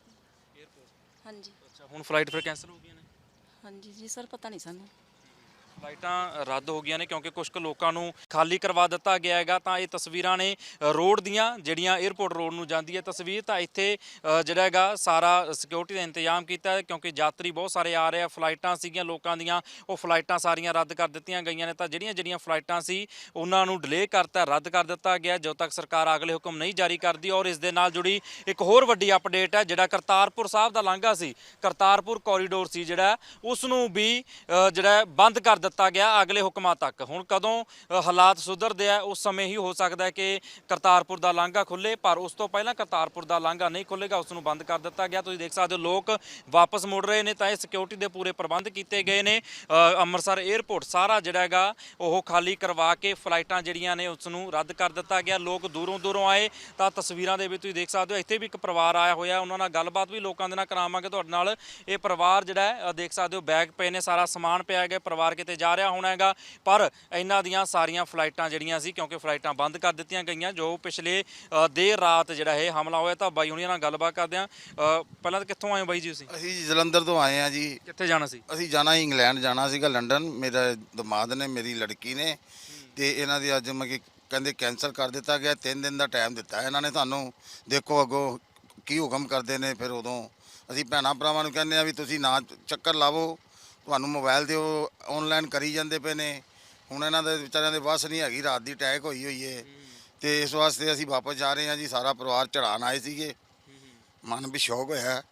ਹਾਂਜੀ। ਅੱਛਾ, ਹੁਣ ਫਲਾਈਟ ਫਿਰ ਕੈਂਸਲ ਹੋ ਗਈਆਂ ਨੇ? ਹਾਂਜੀ ਜੀ ਸਰ, ਪਤਾ ਨਹੀਂ ਸਾਨੂੰ। ਫਲਾਈਟਾਂ ਰੱਦ ਹੋ ਗਈਆਂ ਨੇ ਕਿਉਂਕਿ ਕੁਝ ਕੁ ਲੋਕਾਂ ਨੂੰ ਖਾਲੀ ਕਰਵਾ ਦਿੱਤਾ ਗਿਆ ਹੈਗਾ। ਤਾਂ ਇਹ ਤਸਵੀਰਾਂ ਨੇ ਅ, ਰੋਡ ਦੀਆਂ ਜਿਹੜੀਆਂ 에ਅਰਪੋਰਟ ਰੋਡ ਨੂੰ ਜਾਂਦੀ ਹੈ ਤਸਵੀਰ। ਤਾਂ ਇੱਥੇ ਅ, ਜਿਹੜਾ ਹੈਗਾ ਸਾਰਾ ਸਿਕਿਉਰਿਟੀ ਦਾ ਇੰਤਜ਼ਾਮ ਕੀਤਾ ਹੈ ਕਿਉਂਕਿ ਯਾਤਰੀ ਬਹੁਤ ਸਾਰੇ ਆ ਰਹੇ ਆ। ਫਲਾਈਟਾਂ ਸੀਗੀਆਂ ਲੋਕਾਂ ਦੀਆਂ, ਉਹ ਫਲਾਈਟਾਂ ਸਾਰੀਆਂ ਰੱਦ ਕਰ ਦਿੱਤੀਆਂ ਗਈਆਂ ਨੇ। ਤਾਂ ਜਿਹੜੀਆਂ ਜਿਹੜੀਆਂ ਫਲਾਈਟਾਂ ਸੀ ਉਹਨਾਂ ਨੂੰ ਡਿਲੇ ਕਰਤਾ, ਰੱਦ ਕਰ ਦਿੱਤਾ ਗਿਆ ਜਦੋਂ ਤੱਕ ਸਰਕਾਰ ਅਗਲੇ ਹੁਕਮ ਨਹੀਂ ਜਾਰੀ ਕਰਦੀ। ਔਰ ਇਸ ਦੇ ਨਾਲ ਜੁੜੀ ਇੱਕ ਹੋਰ ਵੱਡੀ ਅਪਡੇਟ ਹੈ, ਜਿਹੜਾ ਕਰਤਾਰਪੁਰ ਸਾਹਿਬ ਦਾ ਲਾਂਘਾ ਸੀ, ਕਰਤਾਰਪੁਰ ਕੋਰੀਡੋਰ ਸੀ ਜਿਹੜਾ, ਉਸ ਨੂੰ ਵੀ ਅ, ਜਿਹੜਾ ਬੰਦ ਕਰ ਦਿੱਤਾ ਗਿਆ ਅਗਲੇ ਹੁਕਮਾਂ ਤੱਕ। ਹੁਣ ਕਦੋਂ ਅ, ਹਾਲਾਤ ਸੁਧਰਦੇ ਆ ਉਸ ਸਮੇਂ ਹੀ ਹੋ ਸਕਦਾ ਹੈ ਕਿ ਕਰਤਾਰਪੁਰ ਦਾ ਲਾਂਘਾ ਖੁੱਲੇ, ਪਰ ਉਸ ਤੋਂ ਪਹਿਲਾਂ ਕਰਤਾਰਪੁਰ ਦਾ ਲਾਂਘਾ ਨਹੀਂ ਖੁੱਲੇਗਾ, ਉਸ ਨੂੰ ਬੰਦ ਕਰ ਦਿੱਤਾ ਗਿਆ। ਤੁਸੀਂ ਦੇਖ ਸਕਦੇ ਹੋ ਲੋਕ ਵਾਪਸ ਮੁੜ ਰਹੇ ਨੇ। ਤਾਂ ਇਹ ਸਿਕਿਉਰਿਟੀ ਦੇ ਪੂਰੇ ਪ੍ਰਬੰਧ ਕੀਤੇ ਗਏ ਨੇ। ਅ, ਅੰਮ੍ਰਿਤਸਰ 에ਅਰਪੋਰਟ ਸਾਰਾ ਜਿਹੜਾ ਹੈਗਾ ਉਹ ਖਾਲੀ ਕਰਵਾ ਕੇ ਫਲਾਈਟਾਂ ਜਿਹੜੀਆਂ ਨੇ ਉਸ ਨੂੰ ਰੱਦ ਕਰ ਦਿੱਤਾ ਗਿਆ। ਲੋਕ ਦੂਰੋਂ ਦੂਰੋਂ ਆਏ। ਤਾਂ ਤਸਵੀਰਾਂ ਦੇ ਵਿੱਚ ਤੁਸੀਂ ਦੇਖ ਸਕਦੇ ਹੋ ਇੱਥੇ ਵੀ ਇੱਕ ਪਰਿਵਾਰ ਆਇਆ ਹੋਇਆ, ਉਹਨਾਂ ਨਾਲ ਗੱਲਬਾਤ ਵੀ ਲੋਕਾਂ ਦੇ ਨਾਲ ਕਰਾਵਾਂਗੇ ਤੁਹਾਡੇ ਨਾਲ। ਇਹ ਪਰਿਵਾਰ ਜਿਹੜਾ ਹੈ ਅ, ਦੇਖ ਸਕਦੇ ਹੋ ਬੈਗ ਪਏ ਨੇ, ਸਾਰਾ ਸਮਾਨ ਪਿਆ ਹੈਗਾ, ਪਰਿਵਾਰ ਕਿਤੇ ਜਾ ਰਿਹਾ ਹੋਣਾ ਹੈਗਾ। ਪਰ ਇਹਨਾਂ ਦੀਆਂ ਸਾਰੀਆਂ ਫਲਾਈਟਾਂ ਜਿਹੜੀਆਂ ਸੀ ਕਿਉਂਕਿ ਫਲਾਈਟਾਂ ਬੰਦ ਕਰ ਦਿੱਤੀਆਂ ਗਈਆਂ ਜੋ ਪਿਛਲੇ ਅ, ਦੇਰ ਰਾਤ ਜਿਹੜਾ ਇਹ ਹਮਲਾ ਹੋਇਆ। ਤਾਂ ਬਾਈ ਹੁਣੀਆਂ ਨਾਲ ਗੱਲਬਾਤ ਕਰਦੇ ਆ। ਪਹਿਲਾਂ ਤਾਂ ਕਿੱਥੋਂ ਆਏ ਹੋ ਬਾਈ ਜੀ ਤੁਸੀਂ? ਅਸੀਂ ਜੀ ਜਲੰਧਰ ਤੋਂ ਆਏ ਆ ਜੀ। ਕਿੱਥੇ ਜਾਣਾ ਸੀ? ਅਸੀਂ ਜਾਣਾ ਸੀ ਇੰਗਲੈਂਡ ਜਾਣਾ ਸੀਗਾ, ਲੰਡਨ। ਮੇਰਾ ਦਮਾਦ ਨੇ, ਮੇਰੀ ਲੜਕੀ ਨੇ, ਤੇ ਇਹਨਾਂ ਦੀ ਅੱਜ ਮੈਂ ਕਹਿੰਦੇ ਕੈਂਸਲ ਕਰ ਦਿੱਤਾ ਗਿਆ। ਤਿੰਨ ਦਿਨ ਦਾ ਟਾਈਮ ਦਿੱਤਾ ਇਹਨਾਂ ਨੇ ਸਾਨੂੰ। ਦੇਖੋ ਅੱਗੋਂ ਕੀ ਹੁਕਮ ਕਰਦੇ ਨੇ। ਫਿਰ ਉਦੋਂ ਅਸੀਂ ਭੈਣਾਂ ਭਰਾਵਾਂ ਨੂੰ ਕਹਿੰਦੇ ਆ ਵੀ ਤੁਸੀਂ ਨਾ ਚੱਕਰ ਲਾਵੋ, ਤੁਹਾਨੂੰ ਮੋਬਾਈਲ ਤੇ ਉਹ ਆਨਲਾਈਨ ਕਰੀ ਜਾਂਦੇ ਪਏ ਨੇ। ਹੁਣ ਇਹਨਾਂ ਦੇ ਵਿਚਾਰਿਆਂ ਦੇ ਵੱਸ ਨਹੀਂ ਹੈਗੀ, ਰਾਤ ਦੀ ਅਟੈਕ ਹੋਈ ਹੋਈ ਏ, ਤੇ ਇਸ ਵਾਸਤੇ ਅਸੀਂ ਵਾਪਸ ਜਾ ਰਹੇ ਹਾਂ ਜੀ। ਸਾਰਾ ਪਰਿਵਾਰ ਚੜਾਉਣ ਆਏ ਸੀਗੇ, ਮਨ ਵੀ ਸ਼ੌਕ ਹੋਇਆ।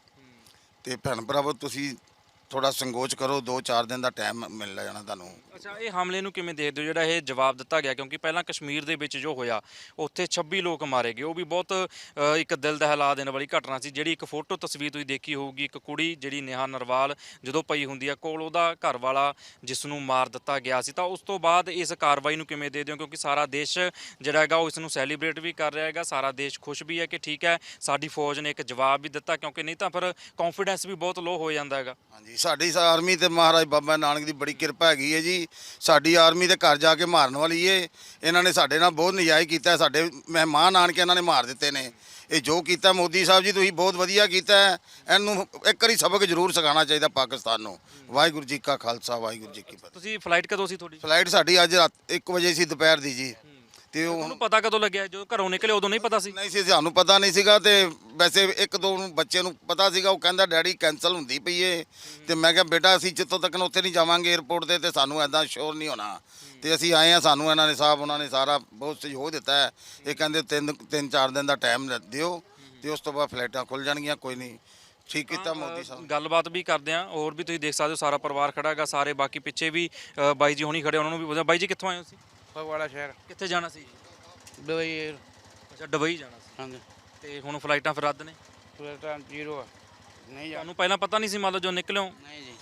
ਤੇ ਭੈਣ ਭਰਾਵੋ ਤੁਸੀਂ ਥੋੜਾ ਸੰਕੋਚ ਕਰੋ, ਦੋ ਚਾਰ ਦਿਨ ਦਾ ਟਾਈਮ ਮਿਲ ਜਾਣਾ ਤੁਹਾਨੂੰ। ਅੱਛਾ, ਇਹ ਹਮਲੇ ਨੂੰ ਕਿਵੇਂ ਦੇਖਦੇ ਹੋ ਜਿਹੜਾ ਇਹ ਜਵਾਬ ਦਿੱਤਾ ਗਿਆ? ਕਿਉਂਕਿ ਪਹਿਲਾਂ ਕਸ਼ਮੀਰ ਦੇ ਵਿੱਚ ਜੋ ਹੋਇਆ ਉੱਥੇ ਛੱਬੀ ਲੋਕ ਮਾਰੇ ਗਏ, ਉਹ ਵੀ ਬਹੁਤ ਅ, ਇੱਕ ਦਿਲ ਦਹਿਲਾ ਦੇਣ ਵਾਲੀ ਘਟਨਾ ਸੀ। ਜਿਹੜੀ ਇੱਕ ਫੋਟੋ ਤਸਵੀਰ ਤੁਸੀਂ ਦੇਖੀ ਹੋਊਗੀ, ਇੱਕ ਕੁੜੀ ਜਿਹੜੀ ਨੇਹਾ ਨਰਵਾਲ ਜਦੋਂ ਪਈ ਹੁੰਦੀ ਆ ਕੋਲ, ਉਹਦਾ ਘਰ ਵਾਲਾ ਜਿਸ ਨੂੰ ਮਾਰ ਦਿੱਤਾ ਗਿਆ ਸੀ। ਤਾਂ ਉਸ ਤੋਂ ਬਾਅਦ ਇਸ ਕਾਰਵਾਈ ਨੂੰ ਕਿਵੇਂ ਦੇਖਦੇ ਹੋ? ਕਿਉਂਕਿ ਸਾਰਾ ਦੇਸ਼ ਜਿਹੜਾ ਹੈਗਾ ਉਹ ਇਸ ਨੂੰ ਸੈਲੀਬ੍ਰੇਟ ਵੀ ਕਰ ਰਿਹਾ ਹੈਗਾ, ਸਾਰਾ ਦੇਸ਼ ਖੁਸ਼ ਵੀ ਹੈ ਕਿ ਠੀਕ ਹੈ ਸਾਡੀ ਫੌਜ ਨੇ ਇੱਕ ਜਵਾਬ ਵੀ ਦਿੱਤਾ, ਕਿਉਂਕਿ ਨਹੀਂ ਤਾਂ ਫਿਰ ਕੌਨਫੀਡੈਂਸ ਵੀ ਬਹੁਤ ਲੋ ਹੋ ਜਾਂਦਾ ਹੈਗਾ। ਹਾਂਜੀ, ਸਾਡੀ ਆਰਮੀ ਤੇ ਮਹਾਰਾਜ ਬਾਬਾ ਨਾਨਕ ਦੀ ਬੜੀ ਕਿਰਪਾ ਹੈਗੀ ਹੈ ਜੀ। ਸਾਡੀ ਆਰਮੀ ਦੇ ਘਰ ਜਾ ਕੇ ਮਾਰਨ ਵਾਲੀ ਏ। ਇਹਨਾਂ ਨੇ ਸਾਡੇ ਨਾਲ ਬਹੁਤ ਨਜਾਇਜ਼ ਕੀਤਾ, ਸਾਡੇ ਮਹਿਮਾਨ ਆਣ ਕੇ ਇਹਨਾਂ ਨੇ ਮਾਰ ਦਿੱਤੇ ਨੇ। ਇਹ ਜੋ ਕੀਤਾ ਮੋਦੀ ਸਾਹਿਬ ਜੀ ਤੁਸੀਂ ਬਹੁਤ ਵਧੀਆ ਕੀਤਾ। ਇਹਨੂੰ ਇੱਕ ਵਾਰੀ ਸਬਕ ਜ਼ਰੂਰ ਸਿਖਾਉਣਾ ਚਾਹੀਦਾ ਪਾਕਿਸਤਾਨ ਨੂੰ। ਵਾਹਿਗੁਰੂ ਜੀ ਕਾ ਖਾਲਸਾ, ਵਾਹਿਗੁਰੂ ਜੀ ਕੀ ਫਤਿਹ। ਤੁਸੀਂ ਫਲਾਈਟ ਕਦੋਂ ਸੀ ਤੁਹਾਡੀ? ਫਲਾਈਟ ਸਾਡੀ ਅੱਜ ਰਾਤ ਇੱਕ ਵਜੇ ਸੀ, ਦੁਪਹਿਰ ਦੀ ਜੀ। ਤੇ ਉਹ ਤੁਹਾਨੂੰ ਪਤਾ ਕਦੋਂ ਲੱਗਿਆ? ਜਦੋਂ ਘਰੋਂ ਨਿਕਲੇ ਉਦੋਂ ਨਹੀਂ ਪਤਾ ਸੀ? ਨਹੀਂ ਸੀ, ਸਾਨੂੰ ਪਤਾ ਨਹੀਂ ਸੀਗਾ। ਤੇ ਵੈਸੇ ਇੱਕ ਦੋ ਨੂੰ ਬੱਚੇ ਨੂੰ ਪਤਾ ਸੀਗਾ, ਉਹ ਕਹਿੰਦਾ ਡੈਡੀ ਕੈਂਸਲ ਹੁੰਦੀ ਪਈ ਏ। ਤੇ ਮੈਂ ਕਿਹਾ ਬੇਟਾ ਅਸੀਂ ਜਿੱਥੋਂ ਤੱਕ ਉੱਥੇ ਨਹੀਂ ਜਾਵਾਂਗੇ 에ਅਰਪੋਰਟ ਤੇ, ਤੇ ਸਾਨੂੰ ਐਦਾਂ ਸ਼ੋਰ ਨਹੀਂ ਹੋਣਾ। ਤੇ ਅਸੀਂ ਆਏ ਆ, ਸਾਨੂੰ ਇਹਨਾਂ ਨੇ ਸਾਹਿਬ ਉਹਨਾਂ ਨੇ ਸਾਰਾ ਬਹੁਤ ਸਹਿਯੋਗ ਦਿੱਤਾ ਹੈ। ਇਹ ਕਹਿੰਦੇ ਤਿੰਨ ਤਿੰਨ ਚਾਰ ਦਿਨ ਦਾ ਟਾਈਮ ਦਿਓ ਤੇ ਉਸ ਤੋਂ ਬਾਅਦ ਫਲਾਈਟਾਂ ਖੁੱਲ ਜਾਣਗੀਆਂ। ਕੋਈ ਨਹੀਂ, ਠੀਕ ਕੀਤਾ ਮੋਦੀ ਸਾਹਿਬ। ਗੱਲਬਾਤ ਵੀ ਕਰਦੇ ਆ। ਹੋਰ ਵੀ ਤੁਸੀਂ ਦੇਖ ਸਕਦੇ ਹੋ ਸਾਰਾ ਪਰਿਵਾਰ ਖੜਾ ਹੈਗਾ, ਸਾਰੇ ਬਾਕੀ ਪਿੱਛੇ ਵੀ ਅ, ਬਾਈ ਜੀ ਹੁਣੀ ਖੜੇ, ਉਹਨਾਂ ਨੂੰ ਵੀ ਪੁੱਛਿਆ। ਬਾਈ ਜੀ ਕਿੱਥੋਂ ਆਏ ਹੋ ਤੁਸੀਂ? ਫਗਵਾੜਾ ਸ਼ਹਿਰ ਕਿੱਥੇ ਜਾਣਾ ਸੀ? ਦੁਬਈ। ਅੱਛਾ, ਦੁਬਈ ਜਾਣਾ ਸੀ। ਹਾਂਜੀ, ਤੇ ਹੁਣ ਫਲਾਈਟਾਂ ਫਿਰ ਰੱਦ ਨੇ? ਫਲਾਈਟਾਂ ਜ਼ੀਰੋ ਆ, ਨਹੀਂ ਜਾ ਤੁਹਾਨੂੰ ਪਹਿਲਾਂ ਪਤਾ ਨਹੀਂ ਸੀ ਮਤਲਬ ਜੋ ਨਿਕਲਿਓ? ਨਹੀਂ ਜੀ,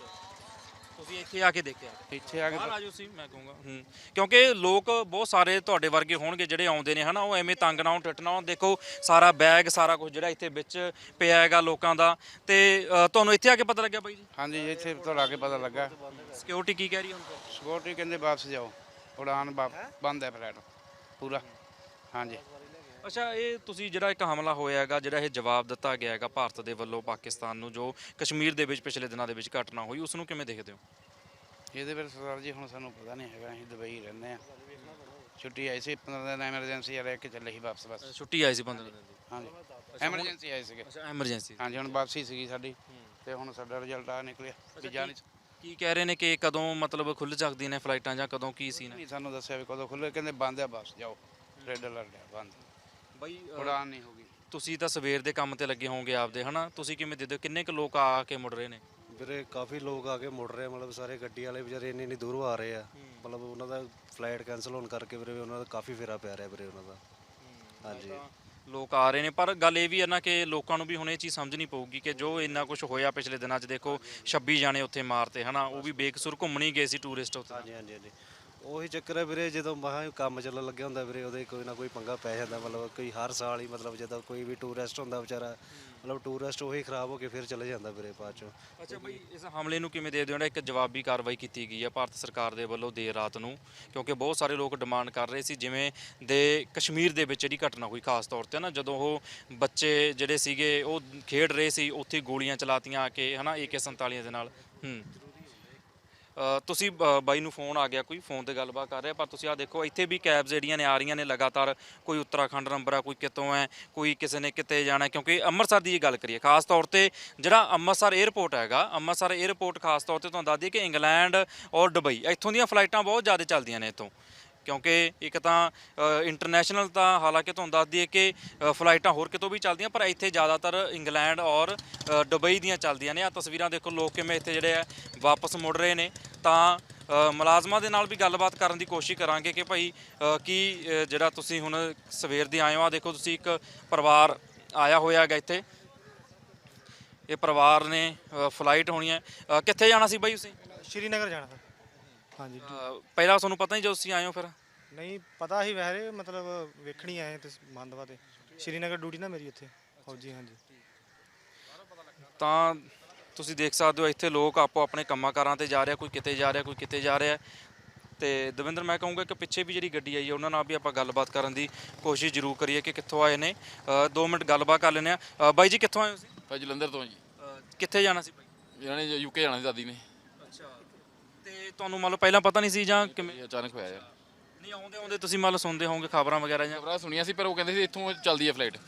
ਤੁਸੀਂ ਇੱਥੇ ਆ ਕੇ ਦੇਖਿਆ? ਇੱਥੇ ਆ ਕੇ ਬਾਹਰ ਆ ਜਾਓ ਸੀ ਮੈਂ ਕਹੂੰਗਾ। ਹੂੰ, ਕਿਉਂਕਿ ਲੋਕ ਬਹੁਤ ਸਾਰੇ ਤੁਹਾਡੇ ਵਰਗੇ ਹੋਣਗੇ ਜਿਹੜੇ ਆਉਂਦੇ ਨੇ ਹਨਾ, ਉਹ ਐਵੇਂ ਤੰਗ ਨਾ ਹੋਣ, ਟਿੱਟ ਨਾ ਹੋਣ। ਦੇਖੋ ਸਾਰਾ ਬੈਗ ਸਾਰਾ ਕੁਝ ਜਿਹੜਾ ਇੱਥੇ ਵਿੱਚ ਪਿਆ ਹੈਗਾ ਲੋਕਾਂ ਦਾ। ਤੇ ਅ, ਤੁਹਾਨੂੰ ਇੱਥੇ ਆ ਕੇ ਪਤਾ ਲੱਗਿਆ ਬਾਈ ਜੀ? ਹਾਂਜੀ, ਇੱਥੇ ਤੋਂ ਲਾ ਕੇ ਪਤਾ ਲੱਗਾ। ਸਿਕਿਉਰਿਟੀ ਕੀ ਕਹਿ ਰਹੀ ਹੁਣ? ਸਿਕਿਉਰਿਟੀ ਕਹਿੰਦੇ ਵਾਪਸ ਜਾਓ, ਉਡਾਨ ਵਾ- ਬੰਦ ਹੈ ਫਲਾਈਟ ਪੂਰਾ। ਹਾਂਜੀ, ਅੱਛਾ, ਇਹ ਤੁਸੀਂ ਜਿਹੜਾ ਇੱਕ ਹਮਲਾ ਹੋਇਆ ਹੈਗਾ, ਜਿਹੜਾ ਇਹ ਜਵਾਬ ਦਿੱਤਾ ਗਿਆ ਹੈਗਾ ਭਾਰਤ ਦੇ ਵੱਲੋਂ ਪਾਕਿਸਤਾਨ ਨੂੰ, ਜੋ ਕਸ਼ਮੀਰ ਦੇ ਵਿੱਚ ਪਿਛਲੇ ਦਿਨਾਂ ਦੇ ਵਿੱਚ ਘਟਨਾ ਹੋਈ, ਉਸ ਨੂੰ ਕਿਵੇਂ ਦੇਖਦੇ ਹੋ? ਇਹਦੇ ਬਾਰੇ ਸਰਦਾਰ ਜੀ ਹੁਣ ਸਾਨੂੰ ਪਤਾ ਨਹੀਂ ਹੈਗਾ। ਅਸੀਂ ਦੁਬਈ ਰਹਿੰਦੇ ਆ, ਛੁੱਟੀ ਆਈ ਸੀ ਪੰਦਰਾਂ ਦਿਨ ਐਮਰਜੈਂਸੀ ਆ, ਰਹਿ ਕੇ ਚੱਲੇ ਸੀ ਵਾਪਸ ਬਸ। ਛੁੱਟੀ ਆਈ ਸੀ ਪੰਦਰਾਂ ਦਿਨ ਦੀ? ਹਾਂਜੀ, ਐਮਰਜੈਂਸੀ ਆਏ ਸੀਗੇ। ਅੱਛਾ, ਐਮਰਜੈਂਸੀ। ਹਾਂਜੀ, ਹੁਣ ਵਾਪਸੀ ਸੀਗੀ ਸਾਡੀ, ਤੇ ਹੁਣ ਸਾਡਾ ਰਿਜ਼ਲਟ ਆ ਨਿਕਲਿਆ ਵੀ ਜਾ ਨਹੀਂ ਕੀ ਕਹਿ ਰਹੇ ਨੇ ਕਿ ਕਦੋਂ ਮਤਲਬ ਖੁੱਲ ਸਕਦੀਆਂ ਨੇ ਫਲਾਈਟਾਂ ਜਾਂ ਕਦੋਂ ਕੀ ਸੀ? ਨਹੀਂ ਸਾਨੂੰ ਦੱਸਿਆ ਵੀ ਕਦੋਂ ਖੁੱਲੇ, ਕਹਿੰਦੇ ਬੰਦ ਆ, ਵਾਪਸ ਜਾਓ। ਰੈੱਡ ਅਲਰਟ ਆ, ਬੰਦ, ਬਾਈ ਉਡਾਨ ਨਹੀਂ ਹੋਗੀ। ਤੁਸੀਂ ਤਾਂ ਸਵੇਰ ਦੇ ਕੰਮ ਤੇ ਲੱਗੇ ਹੋਵੋਗੇ ਆਪਦੇ ਹਨਾ, ਤੁਸੀਂ ਕਿਵੇਂ ਦੇਖਦੇ ਹੋ ਕਿੰਨੇ ਕੁ ਲੋਕ ਆ ਕੇ ਮੁੜ ਰਹੇ ਨੇ? ਵੀਰੇ ਕਾਫੀ ਲੋਕ ਆ ਕੇ ਮੁੜ ਰਹੇ ਆ, ਮਤਲਬ ਸਾਰੇ ਗੱਡੀ ਵਾਲੇ ਵਿਚਾਰੇ ਇੰਨੀ ਇੰਨੀ ਦੂਰੋਂ ਆ ਰਹੇ ਆ। ਮਤਲਬ ਉਹਨਾਂ ਦਾ ਫਲਾਈਟ ਕੈਂਸਲ ਹੋਣ ਕਰਕੇ ਵੀਰੇ ਉਹਨਾਂ ਦਾ ਕਾਫੀ ਫੇਰਾ ਪੈ ਰਿਹਾ ਵੀਰੇ ਉਹਨਾਂ ਦਾ। ਹਾਂਜੀ, ਲੋਕ ਆ ਰਹੇ ਨੇ, ਪਰ ਗੱਲ ਇਹ ਵੀ ਹੈ ਨਾ ਕਿ ਲੋਕਾਂ ਨੂੰ ਵੀ ਹੁਣ ਇਹ ਚੀਜ਼ ਸਮਝਣੀ ਪਊਗੀ ਕਿ ਜੋ ਇੰਨਾ ਕੁਝ ਹੋਇਆ ਪਿਛਲੇ ਦਿਨਾਂ 'ਚ, ਦੇਖੋ ਛੱਬੀ ਜਾਣੇ ਉੱਥੇ ਮਾਰਤੇ ਹਨਾ, ਉਹ ਵੀ ਬੇਕਸੂਰ ਘੁੰਮਣ ਹੀ ਗਏ ਸੀ ਟੂਰਿਸਟ ਉੱਥੇ। ਹਾਂਜੀ ਹਾਂਜੀ ਹਾਂਜੀ ਉਹੀ ਚੱਕਰ ਹੈ ਵੀਰੇ, ਜਦੋਂ ਮਹਾ ਕੰਮ ਚੱਲਣ ਲੱਗਿਆ ਹੁੰਦਾ ਵੀਰੇ ਉਹਦੇ ਕੋਈ ਨਾ ਕੋਈ ਪੰਗਾ ਪੈ ਜਾਂਦਾ। ਮਤਲਬ ਕੋਈ ਹਰ ਸਾਲ ਹੀ ਮਤਲਬ ਜਦੋਂ ਕੋਈ ਵੀ ਟੂਰਿਸਟ ਹੁੰਦਾ ਵਿਚਾਰਾ, ਮਤਲਬ ਟੂਰਿਸਟ ਉਹੀ ਖਰਾਬ ਹੋ ਕੇ ਫਿਰ ਚਲੇ ਜਾਂਦਾ ਵੀਰੇ ਬਾਅਦ ਚੋਂ। ਅੱਛਾ ਬਾਈ, ਇਸ ਹਮਲੇ ਨੂੰ ਕਿਵੇਂ ਦੇਖਦੇ ਹੋ? ਜਿਹੜਾ ਇੱਕ ਜਵਾਬੀ ਕਾਰਵਾਈ ਕੀਤੀ ਗਈ ਹੈ ਭਾਰਤ ਸਰਕਾਰ ਦੇ ਵੱਲੋਂ ਦੇਰ ਰਾਤ ਨੂੰ, ਕਿਉਂਕਿ ਬਹੁਤ ਸਾਰੇ ਲੋਕ ਡਿਮਾਂਡ ਕਰ ਰਹੇ ਸੀ ਜਿਵੇਂ ਦੇ ਕਸ਼ਮੀਰ ਦੇ ਵਿੱਚ ਜਿਹੜੀ ਘਟਨਾ ਹੋਈ ਖਾਸ ਤੌਰ ਤੇ ਨਾ, ਜਦੋਂ ਉਹ ਬੱਚੇ ਜਿਹੜੇ ਸੀਗੇ ਉਹ ਖੇਡ ਰਹੇ ਸੀ, ਉੱਥੇ ਗੋਲੀਆਂ ਚਲਾਤੀਆਂ ਆ ਕੇ ਹਨਾ ਏ ਕੇ ਸੰਤਾਲੀ ਦੇ ਨਾਲ। ਹੂੰ, ਅ, ਤੁਸੀਂ ਬ- ਬਾਈ ਨੂੰ ਫੋਨ ਆ ਗਿਆ, ਕੋਈ ਫੋਨ ਤੇ ਗੱਲਬਾਤ ਕਰ ਰਿਹਾ, ਪਰ ਤੁਸੀਂ ਆ ਦੇਖੋ ਇੱਥੇ ਵੀ ਕੈਬਸ ਜਿਹੜੀਆਂ ਨੇ ਆ ਰਹੀਆਂ ਨੇ ਲਗਾਤਾਰ। ਕੋਈ ਉੱਤਰਾਖੰਡ ਨੰਬਰ ਆ, ਕੋਈ ਕਿਤੋਂ ਹੈ, ਕੋਈ ਕਿਸੇ ਨੇ ਕਿਤੇ ਜਾਣਾ। ਕਿਉਂਕਿ ਅੰਮ੍ਰਿਤਸਰ ਦੀ ਇਹ ਗੱਲ ਕਰੀਏ ਖਾਸ ਤੌਰ ਤੇ, ਜਿਹੜਾ ਅੰਮ੍ਰਿਤਸਰ 에ਅਰਪੋਰਟ ਹੈਗਾ, ਅੰਮ੍ਰਿਤਸਰ 에ਅਰਪੋਰਟ ਖਾਸ ਤੌਰ ਤੇ ਤੁਹਾਨੂੰ ਦੱਸ ਦਈਏ ਕਿ ਇੰਗਲੈਂਡ ਔਰ ਦੁਬਈ ਇੱਥੋਂ ਦੀਆਂ ਫਲਾਈਟਾਂ ਬਹੁਤ ਜ਼ਿਆਦਾ ਚੱਲਦੀਆਂ ਨੇ ਇੱਥੋਂ। ਕਿਉਂਕਿ ਇੱਕ ਤਾਂ ਇੰਟਰਨੈਸ਼ਨਲ ਤਾਂ ਹਾਲਾਂਕਿ ਤੁਹਾਨੂੰ ਦੱਸ ਦਈਏ ਕਿ ਅ, ਫਲਾਈਟਾਂ ਹੋਰ ਕਿਤੋਂ ਵੀ ਚੱਲਦੀਆਂ, ਪਰ ਇੱਥੇ ਜ਼ਿਆਦਾਤਰ ਇੰਗਲੈਂਡ ਔਰ ਅ, ਦੁਬਈ ਦੀਆਂ ਚੱਲਦੀਆਂ ਨੇ। ਆ ਤਸਵੀਰਾਂ ਦੇਖੋ, ਲੋਕ ਕਿਵੇਂ ਇੱਥੇ ਜਿਹੜੇ ਆ ਵਾਪਸ ਮੁੜ ਰਹੇ ਨੇ। ਤਾਂ ਅ, ਮੁਲਾਜ਼ਮਾਂ ਦੇ ਨਾਲ ਵੀ ਗੱਲਬਾਤ ਕਰਨ ਦੀ ਕੋਸ਼ਿਸ਼ ਕਰਾਂਗੇ ਕਿ ਭਾਈ ਅ, ਕੀ ਅ, ਜਿਹੜਾ ਤੁਸੀਂ ਹੁਣ ਸਵੇਰ ਦੇ ਆਏ ਹੋ, ਆ ਦੇਖੋ ਤੁਸੀਂ ਇੱਕ ਪਰਿਵਾਰ ਆਇਆ ਹੋਇਆ ਹੈਗਾ ਇੱਥੇ। ਇਹ ਪਰਿਵਾਰ ਨੇ ਅ, ਫਲਾਈਟ ਹੋਣੀ ਹੈ। ਅ, ਕਿੱਥੇ ਜਾਣਾ ਸੀ ਬਾਈ ਤੁਸੀਂ? ਸ਼੍ਰੀਨਗਰ ਜਾਣਾ ਫਿਰ। ਹਾਂਜੀ ਅ, ਪਹਿਲਾਂ ਤੁਹਾਨੂੰ ਪਤਾ ਨਹੀਂ ਜਦੋਂ ਤੁਸੀਂ ਆਏ ਹੋ ਫਿਰ? ਨਹੀਂ ਪਤਾ ਹੀ ਵੈਸੇ, ਮਤਲਬ ਵੇਖਣੀ ਆਏ ਤੇ ਮੰਦਵਾ ਤੇ ਸ਼੍ਰੀਨਗਰ ਡਿਊਟੀ ਨਾ ਮੇਰੀ ਉੱਥੇ ਫੌਜੀ। ਹਾਂਜੀ ਤਾਂ ਤੁਸੀਂ ਦੇਖ ਸਕਦੇ ਹੋ ਇੱਥੇ ਲੋਕ ਆਪੋ ਆਪਣੇ ਕੰਮਾਂ ਕਾਰਾਂ ਤੇ ਜਾ ਰਿਹਾ, ਕੋਈ ਕਿਤੇ ਜਾ ਰਿਹਾ, ਕੋਈ ਕਿਤੇ ਜਾ ਰਿਹਾ। ਤੇ ਦਵਿੰਦਰ, ਮੈਂ ਕਹੂੰਗਾ ਕਿ ਪਿੱਛੇ ਵੀ ਜਿਹੜੀ ਗੱਡੀ ਆਈ ਹੈ ਉਹਨਾਂ ਨਾਲ ਵੀ ਆਪਾਂ ਗੱਲਬਾਤ ਕਰਨ ਦੀ ਕੋਸ਼ਿਸ਼ ਜ਼ਰੂਰ ਕਰੀਏ ਕਿ ਕਿੱਥੋਂ ਆਏ ਨੇ। ਅ, ਦੋ ਮਿੰਟ ਗੱਲਬਾਤ ਕਰ ਲੈਂਦੇ ਆ। ਬਾਈ ਜੀ ਕਿੱਥੋਂ ਆਏ ਹੋ ਤੁਸੀਂ? ਭਾਈ ਜਲੰਧਰ ਤੋਂ ਜੀ। ਅ, ਕਿੱਥੇ ਜਾਣਾ ਸੀ ਬਾਈ? ਇਹਨਾਂ ਨੇ ਯੂਕੇ ਜਾਣਾ ਸੀ ਦਾਦੀ ਨੇ। ਅੱਛਾ, ਤੇ ਤੁਹਾਨੂੰ ਮੰਨ ਲਓ ਪਹਿਲਾਂ ਪਤਾ ਨਹੀਂ ਸੀ ਜਾਂ ਕਿਵੇਂ? ਇਹ ਅਚਾਨਕ ਹੋਇਆ ਯਾਰ। ਨਹੀਂ, ਆਉਂਦੇ ਆਉਂਦੇ ਤੁਸੀਂ ਮੰਨ ਲਓ ਸੁਣਦੇ ਹੋਵੋਗੇ ਖਬਰਾਂ ਵਗੈਰਾ ਜਾਂ? ਖਬਰਾਂ ਸੁਣੀਆਂ ਸੀ, ਪਰ ਉਹ ਕਹਿੰਦੇ ਸੀ ਇੱਥੋਂ ਚੱਲਦੀ ਹੈ ਫਲਾਈਟ।